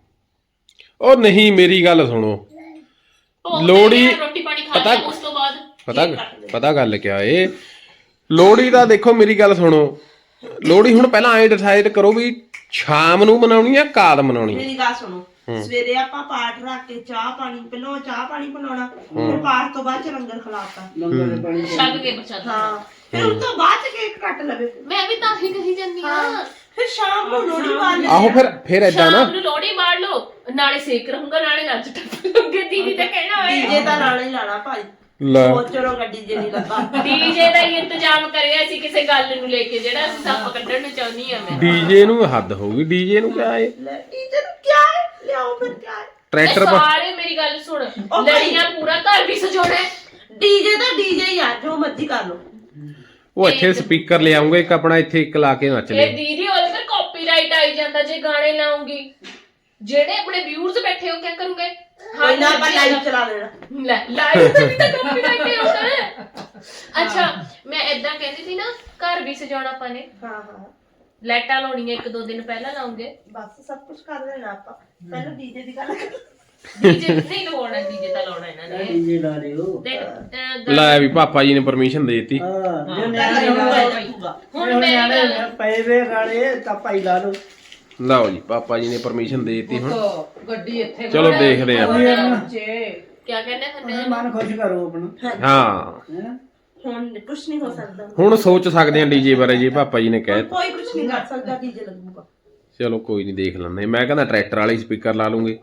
A: ਉਹ ਨਹੀਂ ਮੇਰੀ ਗੱਲ ਸੁਣੋ
B: ਭੋਗ
A: ਲੋਹੜੀ
B: ਤੇ ਰੋਟੀ ਪਾਣੀ ਖਾ ਲਿਆ ਉਸ ਤੋਂ ਬਾਅਦ
A: ਪਤਾ ਗੱਲ ਕਿਆ ਏ ਲੋਹੜੀ ਦਾ ਦੇਖੋ ਮੇਰੀ ਗੱਲ ਸੁਣੋ ਲੋਹੜੀ ਹੁਣ ਪਹਿਲਾਂ ਐਂ ਡਿਸਾਈਡ ਕਰੋ ਵੀ ਸ਼ਾਮ ਨੂੰ ਮਨਾਉਣੀ ਆ ਕਾਦ ਮਨਾਉਣੀ
D: ਮੇਰੀ ਗੱਲ ਸੁਣੋ ਸਵੇਰੇ ਆਪਾਂ ਪਾਠ ਰੱਖ ਕੇ ਚਾਹ ਪਾਣੀ ਪਹਿਲਾਂ ਚਾਹ ਪਾਣੀ ਬਣਾਉਣਾ ਫਿਰ ਪਾਠ ਤੋਂ ਬਾਅਦ ਚ ਲੰਗਰ ਖਿਲਾਤਾ
E: ਲੰਗਰ ਦੇ ਪਾਣੀ
B: ਛੱਡ ਕੇ ਬਚਾਤਾ
D: ਹਾਂ ਫਿਰ ਉਸ ਤੋਂ ਬਾਅਦ ਚ ਕੇਕ ਕੱਟ ਲਵੇ
B: ਮੈਂ ਵੀ ਤਾਂ ਹੀ ਕਹੀ ਜਾਂਦੀ ਆ
D: ਫਿਰ ਸ਼ਾਮ ਨੂੰ ਲੋਹੜੀ ਬਾਲ
A: ਆਹੋ ਫਿਰ ਏਦਾਂ ਨਾ
B: ਸ਼ਾਮ ਨੂੰ ਲੋਹੜੀ ਬਾੜ ਲਓ ਨਾਲੇ ਸੇਕ ਰਹੂੰਗਾ ਨਾਲੇ ਨੱਚ ਟੱਪ ਲੂੰਗੇ ਦੀਦੀ ਤਾਂ ਕਹਿਣਾ ਹੋਏ
D: ਡੀਜੇ ਤਾਂ ਲਾਣਾ ਹੀ ਲਾਣਾ ਭਾਈ
A: ਲੈ
D: ਚਲੋ ਗੱਡੀ ਜੇ ਨਹੀਂ ਲੱਗਾ
B: ਡੀਜੇ ਦਾ ਹੀ ਇੰਤਜ਼ਾਮ ਕਰਿਆ ਸੀ ਕਿਸੇ ਗੱਲ ਨੂੰ ਲੈ ਕੇ ਜਿਹੜਾ ਅਸੀਂ ਸੱਪ ਕੱਢਣ ਨੂੰ ਚਾਹੁੰਦੀ ਆ ਮੈਂ
A: ਡੀਜੇ ਨੂੰ ਹੱਦ ਹੋਊਗੀ ਡੀਜੇ ਨੂੰ ਕਿਆ ਏ
D: ਲੈ ਡੀਜੇ ਨੂੰ ਕੀ ਹੈ ਲਿਆਓ ਫਿਰ ਕੀ ਹੈ
A: ਟਰੈਕਟਰ
B: ਸਾਰੇ ਮੇਰੀ ਗੱਲ ਸੁਣ ਲੜੀਆਂ ਪੂਰਾ ਘਰ ਵੀ ਸਜਾਉਣਾ
D: ਡੀਜੇ ਤਾਂ ਡੀਜੇ ਹੀ ਆ ਜੋ ਮਰਜ਼ੀ ਕਰ ਲਓ
A: ਉਹ ਇੱਥੇ ਸਪੀਕਰ ਲੈ ਆਉਂਗੇ ਇੱਕ ਆਪਣਾ ਇੱਥੇ ਇੱਕ ਲਾ ਕੇ ਨੱਚ ਲੈ
B: ਇਹ ਦੀਦੀ ਉਹਦੇ ਤੇ ਕਾਪੀਰਾਈਟ ਆਈ ਜਾਂਦਾ ਜੇ ਗਾਣੇ ਲਾਉਂਗੀ ਜਿਹੜੇ ਆਪਣੇ ਵਿਊਅਰਸ ਬੈਠੇ ਹੋ ਕੀ ਕਰੂਗੇ
D: ਕੋਈ ਨਾ ਆਪਾਂ ਲਾਈਵ ਚਲਾ ਲੈਣਾ
B: ਲੈ ਲਾਈਵ ਤੇ ਵੀ ਤਾਂ ਕਾਪੀਰਾਈਟ ਆਉਂਦਾ ਹੈ ਅੱਛਾ ਮੈਂ ਇਦਾਂ ਕਹਿੰਦੀ ਸੀ ਨਾ ਘਰ ਵੀ ਸਜਾਉਣਾ ਆਪਾਂ ਨੇ
D: ਹਾਂ ਹਾਂ
B: ਲਾਈਟਾਂ ਲਾਉਣੀਆਂ 1-2 ਦਿਨ ਪਹਿਲਾਂ ਲਾਉਂਗੇ
D: ਬਸ ਸਭ ਕੁਝ ਕਰ ਲੈਣਾ ਆਪਾਂ ਪਹਿਲਾਂ ਡੀਜੇ ਦੀ ਗੱਲ ਕਰ
B: ਡੀਜੇ ਨਹੀਂ ਲਾਉਣਾ ਡੀਜੇ ਤਾਂ ਲਾਉਣਾ ਇਹਨਾਂ ਨੇ
E: ਡੀਜੇ ਲਾ ਲਿਓ
B: ਦੇਖ
A: ਲੈ ਵੀ ਪਾਪਾ ਜੀ ਨੇ ਪਰਮਿਸ਼ਨ ਦੇ ਦਿੱਤੀ
E: ਹਾਂ ਜੇ
D: ਪਹਿਲਾਂ
E: ਨਿਆਣੇ
B: ਹੁਣ ਮੇਰੀ ਗੱਲ
E: ਪਏ ਵੇ ਗਾਣੇ ਤਾਂ ਭਾਈ ਲਾ ਲਓ
A: ਲਓ ਜੀ ਪਾਪਾ ਜੀ ਨੇ ਪਰਮਿਸ਼ਨ ਦੇ ਦਿੱਤੀ ਹੁਣ
C: ਗੱਡੀ ਇੱਥੇ
A: ਚਲੋ ਦੇਖਦੇ ਆਂ
B: ਕੀ ਕਹਿੰਦੇ ਹੁੰਦੇ
E: ਮਨ ਖੁਸ਼ ਕਰੋ ਆਪਣਾ
A: ਹਾਂ
E: ਹੈਂ?
D: ਹੁਣ ਕੁਝ ਨਹੀਂ ਹੋ ਸਕਦਾ
A: ਹੁਣ ਸੋਚ ਸਕਦੇ ਆਂ ਡੀਜੇ ਬਾਰੇ ਜੀ ਪਾਪਾ ਜੀ ਨੇ ਕਹਿ ਦਿੱਤਾ।
D: ਕੋਈ ਕੁਝ ਨਹੀਂ ਕਰ ਸਕਦਾ ਡੀਜੇ ਲੱਗੂਗਾ
A: ਚਲੋ ਕੋਈ ਨਹੀਂ ਦੇਖ ਲੈਂਦੇ ਮੈਂ ਕਹਿੰਦਾ ਟਰੈਕਟਰ ਵਾਲੇ ਸਪੀਕਰ ਲਾ ਲੂੰਗੇ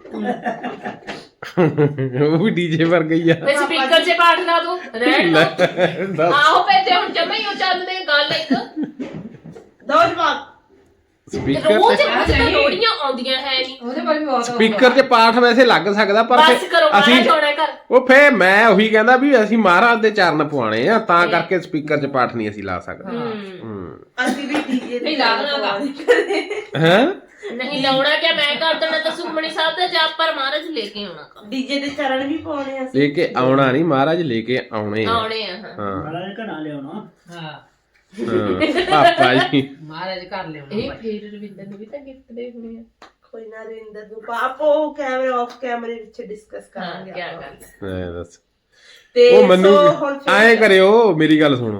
A: ਉਹ ਵੀ ਡੀਜੇ ਵਰਗਾ ਹੀ ਆ
B: ਮੈਂ ਸਪੀਕਰ 'ਚ ਪਾਠ ਲਾ ਦੂੰ ਰਹਿਣ ਦੋ ਆਹੋ ਪੈਤੇ ਹੁਣ ਜਮੇ ਹੀ ਉਹ ਚੱਲਦੇ ਗੱਲ ਇੱਕ
D: ਦੋ ਜਵਾਬ
A: ਸਪੀਕਰ
B: ਰੋਜ਼ ਲੋੜੀਆਂ ਆਉਂਦੀਆਂ ਹੈ ਨਹੀਂ
C: ਉਹਦੇ ਪਰ ਵੀ ਬਹੁਤ
A: ਸਪੀਕਰ 'ਚ ਪਾਠ ਵੈਸੇ ਲੱਗ ਸਕਦਾ ਪਰ
B: ਬਸ ਕਰੋ
A: ਅਸੀਂ
B: ਮਾਰਾ ਛੋੜਾ ਕਰ
A: ਉਹ ਫੇ ਮੈਂ ਉਹੀ ਕਹਿੰਦਾ ਵੀ ਅਸੀਂ ਮਹਾਰਾਜ ਦੇ ਚਰਨ ਪਵਾਣੇ ਆ ਤਾਂ ਕਰਕੇ ਸਪੀਕਰ 'ਚ ਪਾਠ ਨਹੀਂ ਅਸੀਂ ਲਾ ਸਕਦੇ
D: ਅਸੀਂ ਵੀ ਡੀਜੇ
C: ਨਹੀਂ ਲਾਉਣਾ
A: ਹੈ
B: ਨਹੀਂ ਲਾਉਣਾ ਕਿ ਮੈਂ ਕਰ ਦੇਣਾ ਤਾਂ ਸੁਖਮਣੀ ਸਾਹਿਬ ਦਾ ਜਾਪ ਪਰ ਮਹਾਰਾਜ ਲੈ ਕੇ ਆਉਣਾ
D: ਡੀਜੇ ਦੇ ਚਰਨ ਵੀ ਪਾਉਣੇ ਆ ਅਸੀਂ
A: ਲੈ ਕੇ ਆਉਣਾ ਨਹੀਂ ਮਹਾਰਾਜ ਲੈ ਕੇ ਆਉਣੇ ਆ
B: ਆਉਣੇ ਆ ਹਾਂ
A: ਹਾਂ
E: ਮਹਾਰਾਜ ਘਣਾ ਲਿਆਉਣਾ
C: ਹਾਂ
A: ਹਾਂ, ਪਾਪਾ ਜੀ
C: ਮਹਾਰਾਜ ਕਰ ਲਿਆਉਣਾ
B: ਇਹ ਫੇਰ ਰਵਿੰਦਰ ਨੂੰ ਵੀ ਤਾਂ ਗਿਫਟ ਦੇ ਹੋਣੇ ਆ
D: ਕੋਈ ਨਾ ਰਿੰਦਰ ਨੂੰ ਪਾਪੋ ਕੈਮਰੇ ਆਫ ਕੈਮਰੇ ਵਿੱਚ ਡਿਸਕਸ
B: ਹਾਂ
D: ਕਰਾਂਗੇ
B: ਕੀ
D: ਆਪਾਂ।
B: ਗੱਲ
A: ਐ ਦੱਸ
D: ਤੇ
A: ਉਹ ਮੈਨੂੰ
D: ਸੋ ਹੁਣ
A: ਐਂ ਕਰਿਓ ਮੇਰੀ ਗੱਲ ਸੁਣੋ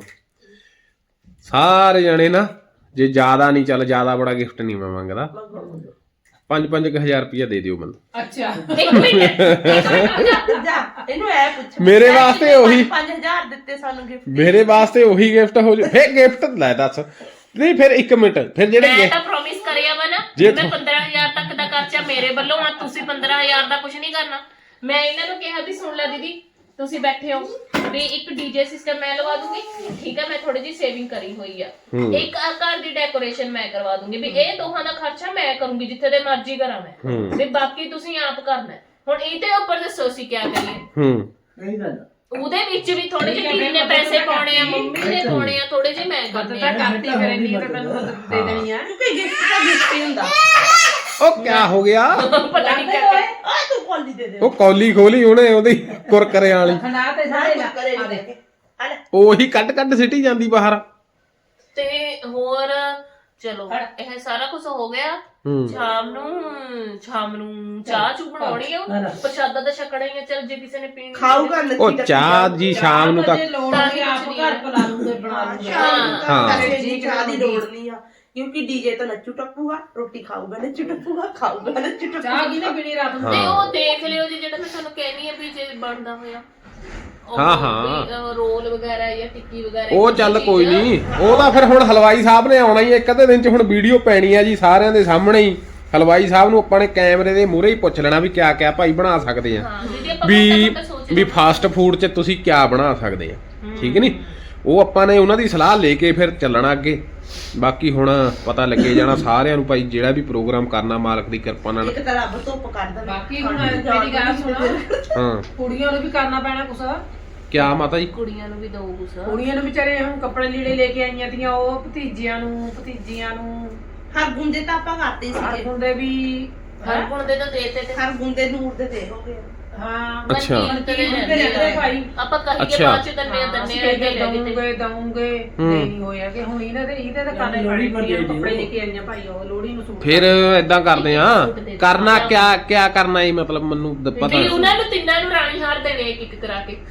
A: ਸਾਰੇ ਜਣੇ ਨਾ ਜੇ ਜ਼ਿਆਦਾ ਨਹੀਂ ਚੱਲ ਜ਼ਿਆਦਾ ਬੜਾ ਗਿਫਟ ਨਹੀਂ ਮੈਂ ਮੰਗਦਾ 5-5000 ਰੁਪਇਆ ਦੇ ਦਿਓ ਮੈਨੂੰ
C: ਅੱਛਾ
B: ਇੱਕ ਮਿੰਟ
D: ਜਾ ਇਹਨੂੰ ਐ ਪੁੱਛ
A: ਮੇਰੇ ਵਾਸਤੇ ਉਹੀ
D: 5000 ਦਿੱਤੇ ਸਾਨੂੰ ਗਿਫਟ
A: ਮੇਰੇ ਵਾਸਤੇ ਉਹੀ ਗਿਫਟ ਹੋ ਜਾ ਫੇਰ ਗਿਫਟ ਲੈ ਦੱਸ ਨਹੀਂ ਫਿਰ 1 ਮਿੰਟ ਫਿਰ ਜਿਹੜੇ
B: ਮੈਂ ਤਾਂ ਪ੍ਰੋਮਿਸ ਕਰਿਆ ਵਾ ਨਾ ਮੈਂ 15000 ਤੱਕ ਦਾ ਖਰਚਾ ਮੇਰੇ ਵੱਲੋਂ ਆ ਤੁਸੀਂ 15000 ਦਾ ਕੁਝ ਨਹੀਂ ਕਰਨਾ ਮੈਂ ਇਹਨਾਂ ਨੂੰ ਕਿਹਾ ਵੀ ਸੁਣ ਲੈ ਦੀਦੀ ਤੁਸੀਂ ਬੈਠੇ ਹੋ ਵੀ ਇੱਕ ਡੀਜੇ ਸਿਸਟਮ ਮੈਂ ਲਵਾ ਦੂੰਗੀ ਠੀਕ ਹੈ ਮੈਂ ਥੋੜੀ ਜਿਹੀ ਸੇਵਿੰਗ ਕਰੀ ਹੋਈ ਆ ਇੱਕ ਘਰ ਦੀ ਡੈਕੋਰੇਸ਼ਨ ਮੈਂ ਕਰਵਾ ਦੂੰਗੀ ਵੀ ਇਹ ਦੋਹਾਂ ਦਾ ਖਰਚਾ ਮੈਂ ਕਰੂੰਗੀ ਜਿੱਥੇ ਦੇ ਮਰਜ਼ੀ ਕਰਾਂ ਮੈਂ ਵੀ ਬਾਕੀ ਤੁਸੀਂ ਆਪ ਕਰਨਾ ਹੁਣ ਇਹਦੇ ਉੱਪਰ ਦੱਸੋ ਅਸੀਂ ਕੀ ਕਰੀਏ
E: ਸਹੀ ਗੱਲ
B: ਉਹਦੇ ਵਿੱਚ ਵੀ ਥੋੜੇ ਜਿਹੇ ਦੀਦੀ ਨੇ ਪੈਸੇ ਪਾਉਣੇ ਆ ਮੰਮੀ ਨੇ ਪਾਉਣੇ ਆ ਥੋੜੇ ਜਿਹੇ ਮੈਂ ਕਰਨੇ
C: ਤਾਂ
B: ਆ
C: ਕਰਤੀ ਕਰੇ ਨਹੀਂ ਤਾਂ ਤੈਨੂੰ ਦੇ ਦੇਣੀ ਆ
D: ਕਿਉਂਕਿ ਗਿਫਟ ਤਾਂ ਗਿਫਟ ਹੀ ਹੁੰਦਾ
A: ਉਹ ਕਿਆ ਹੋ ਗਿਆ
B: ਪਤਾ ਨਹੀਂ ਕਿਆ
D: ਆ ਤੂੰ ਕੋਲੀ ਦੇ ਦੇ
A: ਉਹ ਕੌਲੀ ਖੋਲੀ ਉਹਨੇ ਉਹਦੀ ਕੁਰਕਰੇ ਵਾਲੀ
C: ਖਣਾ ਤੇ ਸਾਰੇ ਲਾ
D: ਕਰੇ
C: ਆ
D: ਦੇ
C: ਦੇ
D: ਹਲੇ
A: ਉਹੀ ਕੱਢ ਸਿੱਟੀ ਜਾਂਦੀ ਬਾਹਰ
B: ਤੇ ਹੋਰ ਚਲੋ ਇਹ ਸਾਰਾ ਕੁਝ ਹੋ ਗਿਆ ਸ਼ਾਮ ਨੂੰ ਚਾਹ ਚੂ ਬਣਾਉਣੀ ਆ ਪ੍ਰਸ਼ਾਦਾ ਤਾਂ ਛਕਣਾ ਹੀ ਆ ਚਲ ਜੇ ਕਿਸੇ ਨੇ ਪੀਣੀ
D: ਖਾਊਗਾ
A: ਉਹ ਚਾਹ ਜੀ ਸ਼ਾਮ ਨੂੰ ਤਾਂ
C: ਜੇ ਲੋੜ ਹੋਈ ਆਪ ਘਰ ਪਲਾ ਲੂੰਗੇ ਬਣਾ ਲੂੰਗੇ
A: ਹਾਂ।
D: ਜੀ ਚਾਹ ਦੀ ਲੋੜ ਨਹੀਂ ਆ ਕਿਉਂਕਿ ਡੀਜੇ ਤਾਂ ਨੱਚੂ ਟੱਪੂਗਾ, ਰੋਟੀ ਖਾਊਗਾ ਨੱਚੂ ਟੱਪੂਗਾ, ਖਾਊਗਾ ਨੱਚੂ ਟੱਪੂਗਾ।
C: ਚਾਹ ਕਿਨੇ ਪੀਣੀ ਰਾਤ ਨੂੰ?
B: ਤੇ ਉਹ ਦੇਖ ਲਿਓ ਜੀ, ਜਿਹੜਾ ਮੈਂ ਤੁਹਾਨੂੰ ਕਹਿਣੀ ਆ ਵੀ ਜੇ ਬਣਦਾ ਹੋਇਆ ਉਹ
A: ਹਾਂ।
B: ਵੀ, ਰੋਲ ਵਗੈਰਾ ਜਾਂ ਟਿੱਕੀ ਵਗੈਰਾ
A: ਉਹ ਚੱਲ ਕੋਈ ਨਹੀਂ, ਉਹ ਤਾਂ ਫਿਰ ਹੁਣ ਹਲਵਾਈ ਸਾਹਿਬ ਨੇ ਆਉਣਾ ਹੀ, ਇੱਕ ਅੱਧੇ ਦਿਨ ਚ ਹੁਣ ਵੀਡੀਓ ਪੈਣੀ ਆ ਜੀ ਸਾਰਿਆਂ ਦੇ ਸਾਹਮਣੇ ਹੀ। ਹਲਵਾਈ ਸਾਹਿਬ ਨੂੰ ਆਪਾਂ ਨੇ ਕੈਮਰੇ ਦੇ ਮੂਹਰੇ ਹੀ ਪੁੱਛ ਲੈਣਾ ਵੀ ਕਿਆ ਕਿਆ ਭਾਈ ਬਣਾ ਸਕਦੇ ਆ,
B: ਹਾਂ ਦੀਦੀ ਆਪਾਂ
A: ਵੀ ਵੀ ਫਾਸਟ ਫੂਡ 'ਚ ਤੁਸੀਂ ਕਿਆ ਬਣਾ ਸਕਦੇ ਆ, ਠੀਕ ਨਹੀਂ। ਉਹ ਆਪਾਂ ਨੇ ਉਹਨਾਂ ਦੀ ਸਲਾਹ ਲੈ ਕੇ ਫਿਰ ਚੱਲਣਾ ਅੱਗੇ। ਬਾਕੀ ਹੁਣ ਪਤਾ ਲੱਗੇ ਜਾਣਾ ਸਾਰਿਆਂ ਨੂੰ ਭਾਈ, ਜਿਹੜਾ ਵੀ ਪ੍ਰੋਗਰਾਮ ਕਰਨਾ ਮਾਲਕ ਦੀ ਕਿਰਪਾ ਨਾਲ।
D: ਇੱਕ ਤਾਂ ਰੱਬ ਧੁੱਪ ਕੱਢਦਾ।
C: ਬਾਕੀ ਹੁਣ ਮੇਰੀ ਗੱਲ ਸੁਣੋ,
A: ਹਾਂ
C: ਕੁੜੀਆਂ ਨੂੰ ਵੀ ਕਰਨਾ ਪੈਣਾ ਕੁਛ।
A: ਕਿਆ ਮਾਤਾ ਜੀ?
B: ਕੁੜੀਆਂ ਨੂੰ ਵੀ ਦੋ ਗੁੱਸਾ।
C: ਕੁੜੀਆਂ ਨੂੰ ਵਿਚਾਰੇ ਹੁਣ ਕੱਪੜੇ ਲੀੜੇ ਲੈ ਕੇ ਆਈਆਂ ਤੀਆਂ, ਉਹ ਭਤੀਜਿਆਂ ਨੂੰ ਭਤੀਜੀਆਂ ਨੂੰ
D: ਹਰ ਗੁੰਦੇ ਤਾਂ ਆਪਾਂ ਕਰਦੇ ਸੀਗੇ,
C: ਹੁੰਦੇ ਵੀ
B: ਹਰ ਗੁਣ ਦੇ ਤਾਂ ਦੇਤੇ ਤੇ
D: ਹਰ ਗੁੰਦੇ ਨੂਰ ਦੇ ਦੇ ਹੋ ਗਏ।
C: ਹਾਂ
A: ਅੱਛਾ।
C: ਭਾਈ
B: ਆਪਾਂ ਕਹੀਏ
A: ਅੱਛਾ।
B: ਬਾਅਦ ਚ ਦੰਨੇ ਦੰਨੇ ਰਹਿ ਗਏ
C: ਦਊਂਗੇ ਨਹੀਂ ਹੋਇਆ ਕਿ ਹੁਣ ਇਹਦੇ ਤਾਂ ਕਰਨੇ ਪੈਣੇ। ਕੱਪੜੇ ਲੈ ਕੇ ਆਈਆਂ ਭਾਈ, ਉਹ ਲੋਹੜੀ ਨੂੰ ਸੂਟ।
A: ਫਿਰ ਏਦਾਂ ਕਰਦੇ ਆ, ਕਰਨਾ ਕਿਆ ਕਰਨਾ ਹੈ ਮਤਲਬ ਮੈਨੂੰ ਪਤਾ
B: ਵੀ ਉਹਨਾਂ ਨੂੰ ਤਿੰਨਾਂ ਨੂੰ ਰਾਣੀ ਹਾਰ ਦੇਣੇ ਇੱਕ ਇੱਕ ਕਰਾ ਕੇ।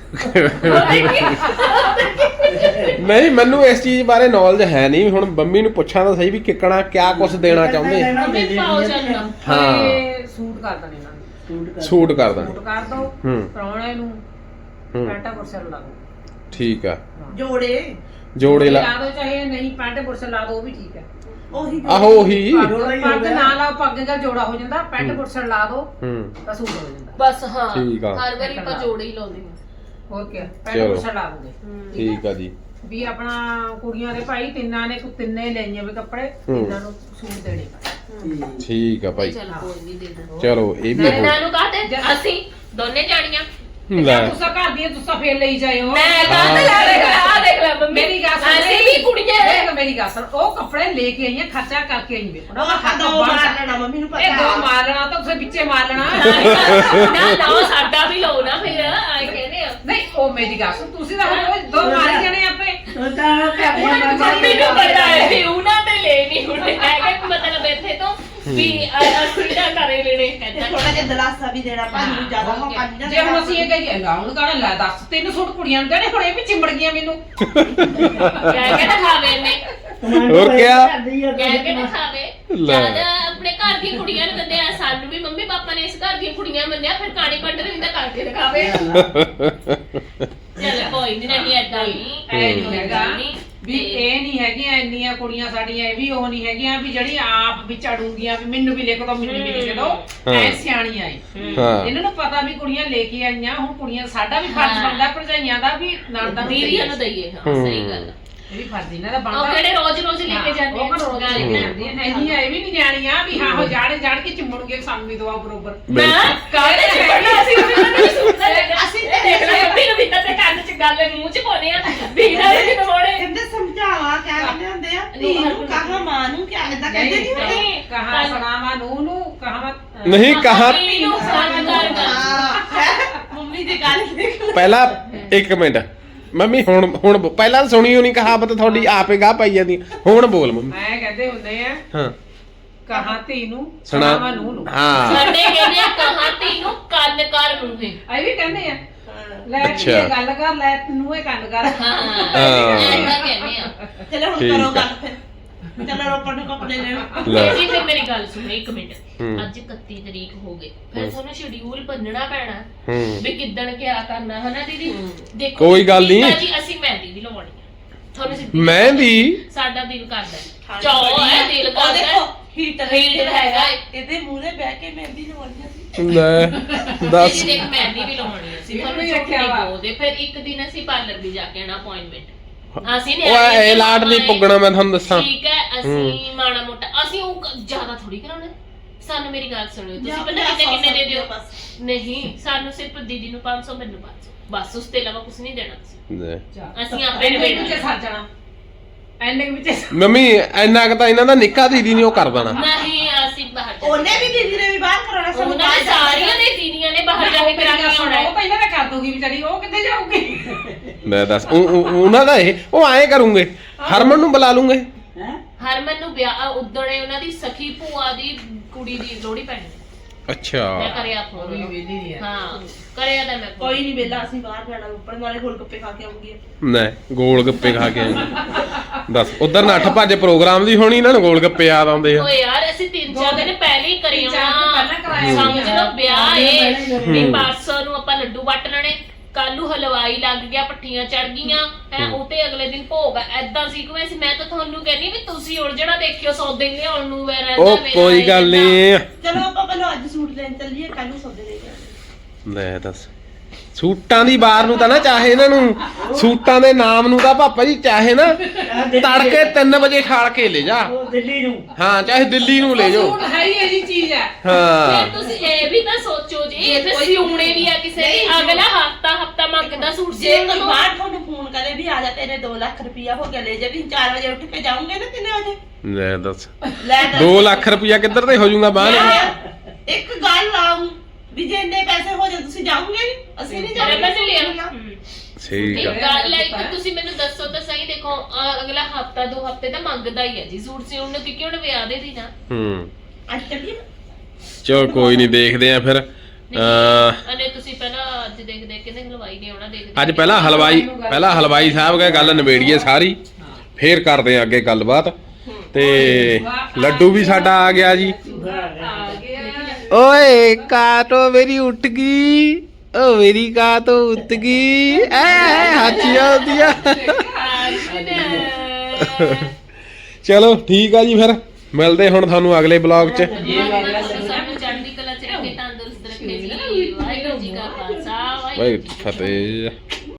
A: ਨਹੀਂ, ਮੈਨੂੰ ਇਸ ਚੀਜ਼ ਬਾਰੇ ਨੌਲੇਜ ਹੈ ਨਹੀਂ। ਹੁਣ ਬੰਮੀ ਨੂੰ ਪੁੱਛਾਂ ਤਾਂ ਸਹੀ ਵੀ ਕਿੱਕਣਾ ਕਿਆ ਕੁਝ ਦੇਣਾ ਚਾਹੁੰਦੇ ਆ।
B: ਮੰਮੀ ਪਾਓ ਚੱਲਣਾ।
A: ਹਾਂ
C: ਇਹ ਸੂਟ ਕਰ ਦੇਣੇ ਇਹਨਾਂ ਨੂੰ,
A: ਸੂਟ ਕਰ ਦਾਂ।
C: ਸੂਟ ਕਰ ਦੋ
A: ਹੂੰ
C: ਪ੍ਰਾਹੁਣੇ ਨੂੰ,
A: ਹੂੰ
C: ਪੈਂਟਾ ਕੁਰਸਾ ਲਾ ਦੋ।
A: ਠੀਕ ਆ,
D: ਜੋੜੇ
A: ਜੋੜੇ ਲਾ
C: ਲਾ ਦੋ, ਚਾਹੇ ਨਹੀਂ ਪੈਂਟ ਕੁਰਸਾ ਲਾ ਦੋ, ਉਹ ਵੀ ਠੀਕ ਹੈ।
D: ਉਹੀ
A: ਆਹੋ ਉਹੀ।
C: ਪੱਗ ਨਾ ਲਾਓ, ਪੱਗ ਦਾ ਜੋੜਾ ਹੋ ਜਾਂਦਾ। ਪੈਂਟ ਕੁਰਸਾ ਲਾ ਦੋ
A: ਹੂੰ
C: ਤਾਂ ਸੂਟ ਹੋ ਜਾਂਦਾ।
B: ਬਸ ਹਾਂ,
A: ਠੀਕ ਆ।
B: ਹਰ ਵਾਰੀ ਆਪਾਂ ਜੋੜੇ ਹੀ ਲਾਉਂਦੇ ਹਾਂ।
C: ਹੋਰ ਕੀ, ਪੈਂਟ
A: ਚਲੋ।
C: ਕੁਰਸਾ ਲਾ ਦੋਗੇ।
A: ਠੀਕ ਆ ਜੀ।
C: ਵੀ ਆਪਣਾ ਕੁੜੀਆਂ ਦੇ ਭਾਈ ਤਿੰਨਾਂ ਨੇ ਤਿੰਨੇ ਲਈਆਂ ਵੀ ਕੱਪੜੇ, ਤਿੰਨਾਂ ਨੂੰ ਸੂਟ ਦੇਣੇ ਪੈਣੇ।
A: ਠੀਕ ਆ ਭਾਈ,
B: ਚਲ ਕੋਈ ਨਹੀਂ ਦੇ ਦੋ।
A: ਚਲੋ ਇਹ ਵੀ
B: ਇਹਨਾਂ ਨੂੰ ਕਹਤੇ ਅਸੀਂ ਦੋਨੇ ਜਾਣੀਆਂ।
A: ਲੈ
C: ਤੁਸੀਂ ਘਰ ਦੀਆਂ ਤੁਸੀਂ ਫੇਰ ਲਈ ਜਾਇਓ।
B: ਮੈਂ ਕਾਹਤੇ ਲਾ ਆ ਦੇਖ ਲੈ ਮੰਮੀ,
C: ਮੇਰੀ ਗੱਲ ਸੁਣ,
B: ਅਸੀਂ ਵੀ ਕੁੜੀਆਂ
C: ਦੇਖ ਮੇਰੀ ਗੱਲ ਸੁਣ, ਉਹ ਕੱਪੜੇ ਲੈ ਕੇ ਆਈਆਂ, ਖਰਚਾ ਕਰਕੇ ਆਈ ਵੇਖੋ ਨਾ।
D: ਉਹ ਦੋ ਮਾਰ ਲੈਣਾ, ਮੰਮੀ ਨੂੰ
C: ਇਹ ਦੋ
D: ਪਤਾ।
C: ਮਾਰ ਲੈਣਾ ਤਾਂ ਤੁਸੀਂ ਵਿੱਚੇ ਮਾਰ ਲੈਣਾ।
B: ਨਾ ਸਾਡਾ ਵੀ ਲਓ ਨਾ ਫਿਰ ਆਏ ਕਹਿੰਦੇ ਆ।
C: ਨਹੀਂ ਉਹ ਮੇਰੀ ਗੱਲ ਸੁਣ, ਤੁਸੀਂ ਤਾਂ ਹੁਣ ਦੋ ਮਾਰੀ ਜਾਣੇ ਆਪੇ।
E: ਉਹ ਤਾਂ
B: ਮੰਮੀ ਨੂੰ ਪਤਾ ਹੈ ਵੀ ਉਹਨਾਂ ਤੇ ਲੈ ਨਹੀਂ ਹੁੰਦੇ ਹੈਗੇ, ਮਤਲਬ ਇੱਥੇ ਤੋਂ ਵੀ ਅਸੀਂ ਦਾ ਕਰੇ ਲੈਣੇ ਕਹਿੰਦਾ।
D: ਥੋੜਾ ਜਿਹਾ ਦਲਾਸਾ ਵੀ ਦੇਣਾ ਭਾਜੀ ਨੂੰ, ਜ਼ਿਆਦਾ ਮੌਕਾ ਨਹੀਂ
C: ਜੇ ਹੁਣ ਅਸੀਂ ਇਹ ਕਹੀਏ ਲਾਉਣ ਕਾਹਨੇ ਲੈ ਦੱਸ, ਤਿੰਨ ਸੂਟ ਕੁੜੀਆਂ ਨੂੰ ਦੇਣੇ, ਹੁਣ ਇਹ ਵੀ ਚਿੰਬੜ ਗਈਆਂ ਮੈਨੂੰ।
B: ਕਹਿ ਕੇ ਦਿਖਾਵੇ ਨੇ,
A: ਹੋਰ ਕਿਆ?
B: ਕਹਿ ਕੇ ਦਿਖਾਵੇ।
A: ਲੈ।
B: ਜਦ ਆਪਣੇ ਘਰ ਦੀਆਂ ਕੁੜੀਆਂ ਨੂੰ ਦਿੰਦੇ ਆ, ਸਾਨੂੰ ਵੀ ਮੰਮੀ ਪਾਪਾ ਨੇ ਇਸ ਘਰ ਦੀਆਂ ਕੁੜੀਆਂ ਮੰਨਿਆ, ਫਿਰ ਕਾਣੀ ਪੰਡ ਰਿੰਦਾ ਕਰਕੇ ਦਿਖਾਵੇ। ਚਲ ਕੋਈ ਨਹੀਂ ਏਦਾਂ ਨਹੀਂ,
C: ਐ ਨਹੀਂ ਹੈਗਾ
B: ਨਹੀਂ
C: ਵੀ ਇਹ ਨਹੀਂ ਹੈਗੀਆਂ ਇੰਨੀਆਂ ਕੁੜੀਆਂ ਸਾਡੀਆਂ, ਇਹ ਵੀ ਉਹ ਨਹੀਂ ਹੈਗੀਆਂ ਵੀ ਜਿਹੜੀ ਆਪ ਵੀ ਚੜੂਗੀਆਂ ਵੀ ਮੈਨੂੰ ਵੀ ਲਿਖ ਦੋ, ਮੈਨੂੰ ਵੀ ਲਿਖ ਦੋ। ਐ ਸਿਆਣੀਆਂ ਏ,
A: ਹਾਂ
C: ਇਹਨਾਂ ਨੂੰ ਪਤਾ ਵੀ ਕੁੜੀਆਂ ਲੈ ਕੇ ਆਈਆਂ। ਹੁਣ ਕੁੜੀਆਂ ਸਾਡਾ ਵੀ ਫਰਜ਼ ਬਣਦਾ ਭਰਜਾਈਆਂ ਦਾ ਵੀ, ਨਣਦਾਂ ਨੂੰ
B: ਦੀਦੀਆਂ ਨੂੰ ਦਈਏ। ਹਾਂ ਸਹੀ ਗੱਲ ਆ।
C: ਇਹ ਵੀ ਫਰਜ਼ ਇਹਨਾਂ ਦਾ
B: ਉਹ
C: ਬਣਦਾ।
B: ਕਿਹੜੇ ਰੋਜ਼-ਰੋਜ਼ ਲੈ ਕੇ ਜਾਂਦੇ
C: ਉਹ
B: ਆ
C: ਰੋਜ਼ ਲੈ ਕੇ ਜਾਂਦੀਆਂ ਨੇ, ਇਹ ਵੀ ਨਹੀਂ ਜਾਣੀਆਂ ਵੀ ਹਾਂ ਉਹ ਜਾੜ ਕੇ ਚਿੰਮਣਗੇ, ਸਾਨੂੰ ਵੀ ਦਵਾ ਬਰੋਬਰ।
B: ਮੈਂ ਕਾਹਦੇ ਚ ਪੜਨਾ ਸੀ, ਉਹਨੇ ਮੈਨੂੰ ਸੂਟ ਦਾ ਅਸੀਂ ਤੇ ਦੇਖ ਲਿਆ ਮੰਮੀ ਨੂੰ ਵੀ ਤਾਂ ਤੇ ਕੰਨ ਚ ਗੱਲ ਮੂੰਹ ਚ ਪਾਉਣੇ ਆ ਵੀ ਨਾ ਵੀ ਨਮੋੜੇ।
D: ਕਹਿੰਦੇ ਸਮਝਾਵਾ ਕਿਆ ਕਹਿੰਦੇ ਹੁੰਦੇ ਆ, ਧੀ ਨੂੰ ਕਹਾ ਮਾਂ ਨੂੰ ਕਿਆ ਏਦਾਂ ਕਹਿੰਦੇ ਨਹੀਂ ਹੁੰਦੇ।
B: ਨਹੀਂ
C: ਕਹਾ ਸੁਣਾਵਾ ਨੂੰ ਕਹਾ
A: ਨਹੀਂ ਕਹਾ।
B: ਨੂੰ ਸੰਗਾਰ ਕਰ
D: ਮੰਮੀ ਦੀ ਗੱਲ ਦੇਖ ਲਓ।
A: ਪਹਿਲਾਂ ਇੱਕ ਮਿੰਟ ਮੰਮੀ, ਹੁਣ ਪਹਿਲਾਂ ਸੁਣੀ ਹੋਣੀ ਕਹਾਵਤ ਤੁਹਾਡੀ ਆਪੇ ਗਾ ਪਾਈ ਜਾਂਦੀ, ਹੁਣ ਬੋਲ ਮੰਮੀ।
C: ਮੈਂ ਕਹਿੰਦੇ ਹੁੰਦੇ ਆ
A: ਹਾਂ
C: ਕਹਾ ਧੀ ਨੂੰ
A: ਸੁਣਾ।
C: ਸੁਣਾਵਾ ਨੂੰ।
A: ਹਾਂ
B: ਸਾਡੇ ਕਹਿੰਦੇ ਆ ਕਹਾਤੀ ਨੂੰ ਕੰਨ ਕਰ ਮੂੰਹੇ।
C: ਇਹ ਵੀ ਕਹਿੰਦੇ ਆ ਲੈ
A: ਅੱਛਾ।
C: ਇਹ ਗੱਲ ਕਰ, ਲੈ ਤੈਨੂੰ ਇਹ ਕੰਨ ਕਰ।
B: ਹਾਂ
A: ਹਾਂ।
B: ਐਂਦਾ ਕਹਿੰਦੇ ਆ।
D: ਚਲੋ ਹੁਣ
A: ਠੀਕ
D: ਕਰੋ
A: ਆ।
D: ਗੱਲ ਫਿਰ। ਚਲੋ ਰੋਪੜ ਨੂੰ ਕੱਪੜੇ ਲੈਣ।
A: ਲੈ।
B: ਜੀ ਫਿਰ ਮੇਰੀ ਗੱਲ ਸੁਣੋ ਇੱਕ ਮਿੰਟ।
A: ਹੂੰ।
B: ਅੱਜ 31 ਤਰੀਕ ਹੋ ਗਈ, ਫਿਰ ਤੁਹਾਨੂੰ ਸ਼ਡਿਊਲ ਬੰਨਣਾ ਪੈਣਾ
A: ਹੂੰ
B: ਵੀ ਕਿੱਦਣ ਕਿਆ ਕਰਨਾ ਹਨਾ ਦੀਦੀ। ਦੇਖੋ
A: ਕੋਈ ਗੱਲ ਨਹੀਂ।
B: ਦੀਪਾ ਜੀ ਅਸੀਂ ਮਹਿੰਦੀ ਵੀ ਲਵਾਉਣੀ ਆ ਤੁਹਾਨੂੰ ਸਿੱਧੀ
A: ਮਹਿੰਦੀ?
B: ਸਾਡਾ ਦਿਲ ਕਰਦਾ ਚਾਹ ਹੈ, ਦਿਲ
D: ਉਹ
B: ਕਰਦਾ
D: ਦੇਖੋ ਹੀਟਰ
B: ਹੀਟਰ ਹੈਗਾ
D: ਇਹਦੇ ਮੂਹਰੇ ਬਹਿ ਕੇ ਮਹਿੰਦੀ ਲਵਾਉਣੀ ਸੀ।
A: ਲੈ ਦੱਸ।
B: ਜੀ ਦੇਖ ਮਹਿੰਦੀ ਵੀ ਲਾਉਣੀ ਸੀ, ਤੁਹਾਨੂੰ
C: ਵੀ
B: ਝੂਠ
C: ਰੱਖਿਆ
B: ਨਹੀਂ
C: ਵਾ।
B: ਬੋਲਦੇ। ਫਿਰ ਇੱਕ ਦਿਨ ਅਸੀਂ ਪਾਰਲਰ ਵੀ ਜਾ ਕੇ ਆਣਾ ਅਪਾਇੰਟਮੈਂਟ। ਅਸੀਂ ਨੇ
A: ਉਹ ਇਹ ਲਾਟ ਨਹੀਂ ਪੁੱਗਣਾ, ਮੈਂ ਤੁਹਾਨੂੰ ਦੱਸਾਂ।
B: ਠੀਕ ਹੈ, ਅਸੀਂ ਮਾੜਾ ਮੋਟਾ ਅਸੀਂ ਉਹ ਜ਼ਿਆਦਾ ਥੋੜੀ ਕਰਾਉਣਾ। ਸਾਨੂੰ ਮੇਰੀ ਗੱਲ ਸੁਣਿਓ, ਤੁਸੀਂ ਪਤਾ ਕਿੰਨੇ ਦੇ ਦਿਓ? ਨਹੀਂ, ਸਾਨੂੰ ਸਿਰਫ ਦੀਦੀ ਨੂੰ 500, ਮੈਨੂੰ 500, ਬਸ ਉਸ ਤੋਂ ਇਲਾਵਾ ਕੁਝ ਨਹੀਂ ਦੇਣਾ ਤੁਸੀਂ।
A: ਲੈ।
B: ਅਸੀਂ ਆਪੇ
C: ਐਨੇ
B: ਨਿਬੇੜ
C: ਵਿੱਚ ਸਰ ਜਾਣਾ, ਐਨੇ ਵਿੱਚ।
A: ਮੰਮੀ ਇੰਨਾ ਕੁ ਤਾਂ ਇਹਨਾਂ ਦਾ ਨਿੱਕਾ ਦੀਦੀ ਨੇ ਉਹ ਕਰ ਦੇਣਾ।
B: ਨਹੀਂ ਅਸੀਂ ਬਾਹਰ ਜਾ
D: ਉਹਨੇ ਵੀ ਦੀਦੀ ਨੇ ਵੀ ਬਾਹਰ ਕਰਾਉਣਾ, ਸਾਨੂੰ
B: ਉਹਨਾਂ ਨੇ ਸਾਰੀਆਂ ਨੇ ਦੀਦੀਆਂ ਨੇ ਬਾਹਰ ਜਾ ਕੇ ਕਰਾ ਕੇ ਆਉਣਾ
C: ਉਹ ਪਹਿਲਾਂ ਤਾਂ ਕਰ ਦੂਗੀ ਵਿਚਾਰੀ, ਉਹ ਕਿੱਥੇ ਜਾਊਗੀ?
A: ਲੈ ਦੱਸ, ਉਹਨਾਂ ਦਾ ਇਹ ਉਹ ਆਏ ਕਰੂੰਗੇ, ਹਰਮਨ ਨੂੰ ਬੁਲਾ ਲੂੰਗੇ।
E: ਹੈ
B: ਹਰਮਨ ਨੂੰ ਵਿਆਹ ਉਦਣੇ ਉਹਨਾਂ ਦੀ ਸਖੀ ਭੂਆ ਦੀ ਕੁੜੀ ਦੀ ਲੋਹੜੀ ਪੈਣੀ।
A: ਅੱਛਾ
B: ਮੈਂ ਕਰਿਆ
C: ਉਹ
B: ਫੋਨ।
C: ਵੀ ਵੇਲੀ ਨਹੀਂ ਆ।
B: ਹਾਂ ਕਰਿਆ ਤਾਂ ਮੈਂ phone।
D: ਕੋਈ ਨਹੀਂ ਵੇਲਾ ਅਸੀਂ ਬਾਹਰ ਜਾਣਾ ਉੱਪਰ ਨਾਲੇ ਗੋਲ ਗੱਪੇ ਖਾ ਕੇ ਆਉਂਗੀ
A: ਨਾ ਗੋਲ ਗੱਪੇ ਖਾ ਕੇ ਆਏ ਦੱਸ ਉਧਰ ਨੱਠ ਭੱਜ ਪ੍ਰੋਗਰਾਮ ਦੀ ਹੋਣੀ ਇਹਨਾਂ ਨੂੰ ਗੋਲ ਗੱਪੇ ਯਾਦ ਆਉਂਦੇ ਆ
B: ਓਏ ਯਾਰ ਅਸੀਂ 3-4 ਦਿਨ ਪਹਿਲੇ ਹੀ ਕਰੀ
C: ਤਿੰਨ ਚਾਰ ਦਿਨ ਪਹਿਲਾਂ ਕਰਾਇਆ
B: ਸਮਝ ਲਓ ਵਿਆਹ ਏ
A: ਹੂੰ।
B: ਵੀ ਪਰਸੋਂ ਨੂੰ ਆਪਾਂ ਲੱਡੂ ਵੱਟ ਲੈਣੇ, ਕੱਲ ਨੂੰ ਹਲਵਾਈ ਲੱਗ ਗਿਆ, ਪੱਠੀਆਂ ਚੜ ਗਈਆਂ ਹੈ, ਉਹ ਤੇ ਅਗਲੇ ਦਿਨ ਭੋਗ ਆ। ਐਦਾਂ ਸੀਕੁਐਂਸ ਮੈਂ ਤਾਂ ਤੁਹਾਨੂੰ ਕਹਿੰਦੀ ਵੀ ਤੁਸੀਂ ਹੁਣ ਜਿਹੜਾ ਦੇਖਿਓ ਸੌਦੇ ਲਿਆਉਣ ਨੂੰ ਵੇ ਰਹਿੰਦਾ
A: ਉਹ ਕੋਈ ਗੱਲ ਨਹੀਂ
D: ਚਲੋ ਆਪਾਂ ਪਹਿਲਾਂ ਅੱਜ ਸੂਟ ਲੈਣ ਚੱਲੀਏ ਕੱਲ ਨੂੰ ਸੌਦੇ ਲੈ ਕੇ ਆਵਾਂਗੇ।
A: ਲੈ ਦੱਸ ਸੂਟਾਂ ਦੀ ਬਾਰ ਨੂੰ ਤਾਂ ਨਾ ਚਾਹੇ ਇਹਨਾਂ ਨੂੰ ਸੂਟਾਂ ਦੇ ਨਾਮ ਨੂੰ ਤਾਂ ਪਾਪਾ ਜੀ ਚਾਹੇ ਨਾ ਤੜਕੇ 3 ਵਜੇ ਖਾਲ ਕੇ ਲੈ ਜਾ
E: ਉਹ ਦਿੱਲੀ ਨੂੰ
A: ਹਾਂ ਚਾਹੇ ਦਿੱਲੀ ਨੂੰ ਲੈ ਜਾਓ
C: ਸੂਟ ਹੈ ਹੀ ਇਹ ਜੀ ਚੀਜ਼ ਹੈ।
A: ਹਾਂ
B: ਫਿਰ ਤੁਸੀਂ ਇਹ ਵੀ ਤਾਂ ਸੋਚੋ ਜੀ ਇਹ ਫਿਰ ਸਿਉਣੇ ਵੀ ਆ ਕਿਸੇ ਦੀ ਅਗਲਾ ਹਫਤਾ ਮੰਗਦਾ ਸੂਟ
D: ਜੇ
B: ਸਿਉਣ
D: ਕੋਈ
B: ਨੂੰ।
D: ਬਾਹਰ ਤੁਹਾਨੂੰ ਫੋਨ ਕਰੇ ਵੀ ਆ ਜਾ ਤੇਰੇ 2 ਲੱਖ ਰੁਪਇਆ ਹੋ ਗਿਆ ਲੈ ਜਾ ਵੀ 4 ਵਜੇ ਉੱਠ ਕੇ ਜਾਉਂਗੇ ਨਾ 3 ਵਜੇ
A: ਲੈ ਦੱਸ
D: ਲੈ
A: 2 ਲੱਖ ਰੁਪਇਆ ਕਿੱਧਰ ਤੇ ਹੋ ਜਾਊਗਾ ਬਾਹਰ
D: ਇੱਕ ਗੱਲ ਆਉਂ ਵੀ ਜੇ ਇੰਨੇ ਪੈਸੇ ਹੋ ਜਾਣ ਤੁਸੀਂ ਜਾਓਗੇ ਨਹੀਂ ਅਸੀਂ ਨਹੀਂ
B: ਅਰੇ ਮੈਂ ਤੇ ਲਿਆ
D: ਜਾਵਾਂਗੇ।
A: ਠੀਕ ਆ
B: ਗੱਲ ਹੈ ਕਿ ਤੁਸੀਂ ਮੈਨੂੰ ਦੱਸੋ ਤਾਂ ਸਹੀ ਦੇਖੋ ਅਗਲਾ ਹਫਤਾ 2 ਹਫਤੇ ਤਾਂ ਮੰਗਦਾ ਹੀ ਹੈ ਜੀ ਸੂਟ ਸਿਉਣ ਨੂੰ ਕਿਉਂਕਿ ਹੁਣ ਵਿਆਹ ਦੇ ਦਿਨ ਆ।
A: ਹੂੰ
D: ਅੱਜ ਚੱਲੀਏ
A: ਚਲੋ ਕੋਈ ਨਹੀਂ ਦੇਖਦੇ ਆ ਫਿਰ
B: ਅਨੇ ਤੁਸੀਂ ਪਹਿਲਾਂ ਅੱਜ ਦੇਖਦੇ ਕਿੰਨੇ ਹਲਵਾਈ ਨੇ ਆਉਣਾ ਦੇਖਦੇ
A: ਅੱਜ ਪਹਿਲਾਂ ਹਲਵਾਈ ਸਾਹਿਬ ਗਏ ਗੱਲ ਨਿਬੇੜੀਏ ਸਾਰੀ ਫੇਰ ਕਰਦੇ ਆ ਅੱਗੇ ਗੱਲਬਾਤ ਤੇ ਲੱਡੂ ਵੀ ਸਾਡਾ ਆ ਗਿਆ ਜੀ
C: ਆ ਗਿਆ
A: ਓਏ ਕਾਟੋ ਮੇਰੀ ਉੱਠ ਗਈ ਓ ਮੇਰੀ ਕਾਟੋ ਉੱਠ ਗਈ ਐ ਹਾਚੀਆਂ ਹੁੰਦੀਆਂ ਚਲੋ ਠੀਕ ਆ ਜੀ ਫਿਰ ਮਿਲਦੇ ਹੁਣ ਤੁਹਾਨੂੰ ਅਗਲੇ ਬਲੌਗ 'ਚ
B: ਸਾਨੂੰ ਚੜ੍ਹਦੀ ਕਲਾ ਚ ਰੱਖੇ ਤੰਦਰੁਸਤ ਰੱਖੇ ਜੀ ਵਾਹਿਗੁਰੂ ਜੀ ਕਾ ਖਾਲਸਾ ਵਾਹਿਗੁਰੂ
A: ਵਾਹਿਗੁਰੂ ਜੀ ਕੀ ਫਤਿਹ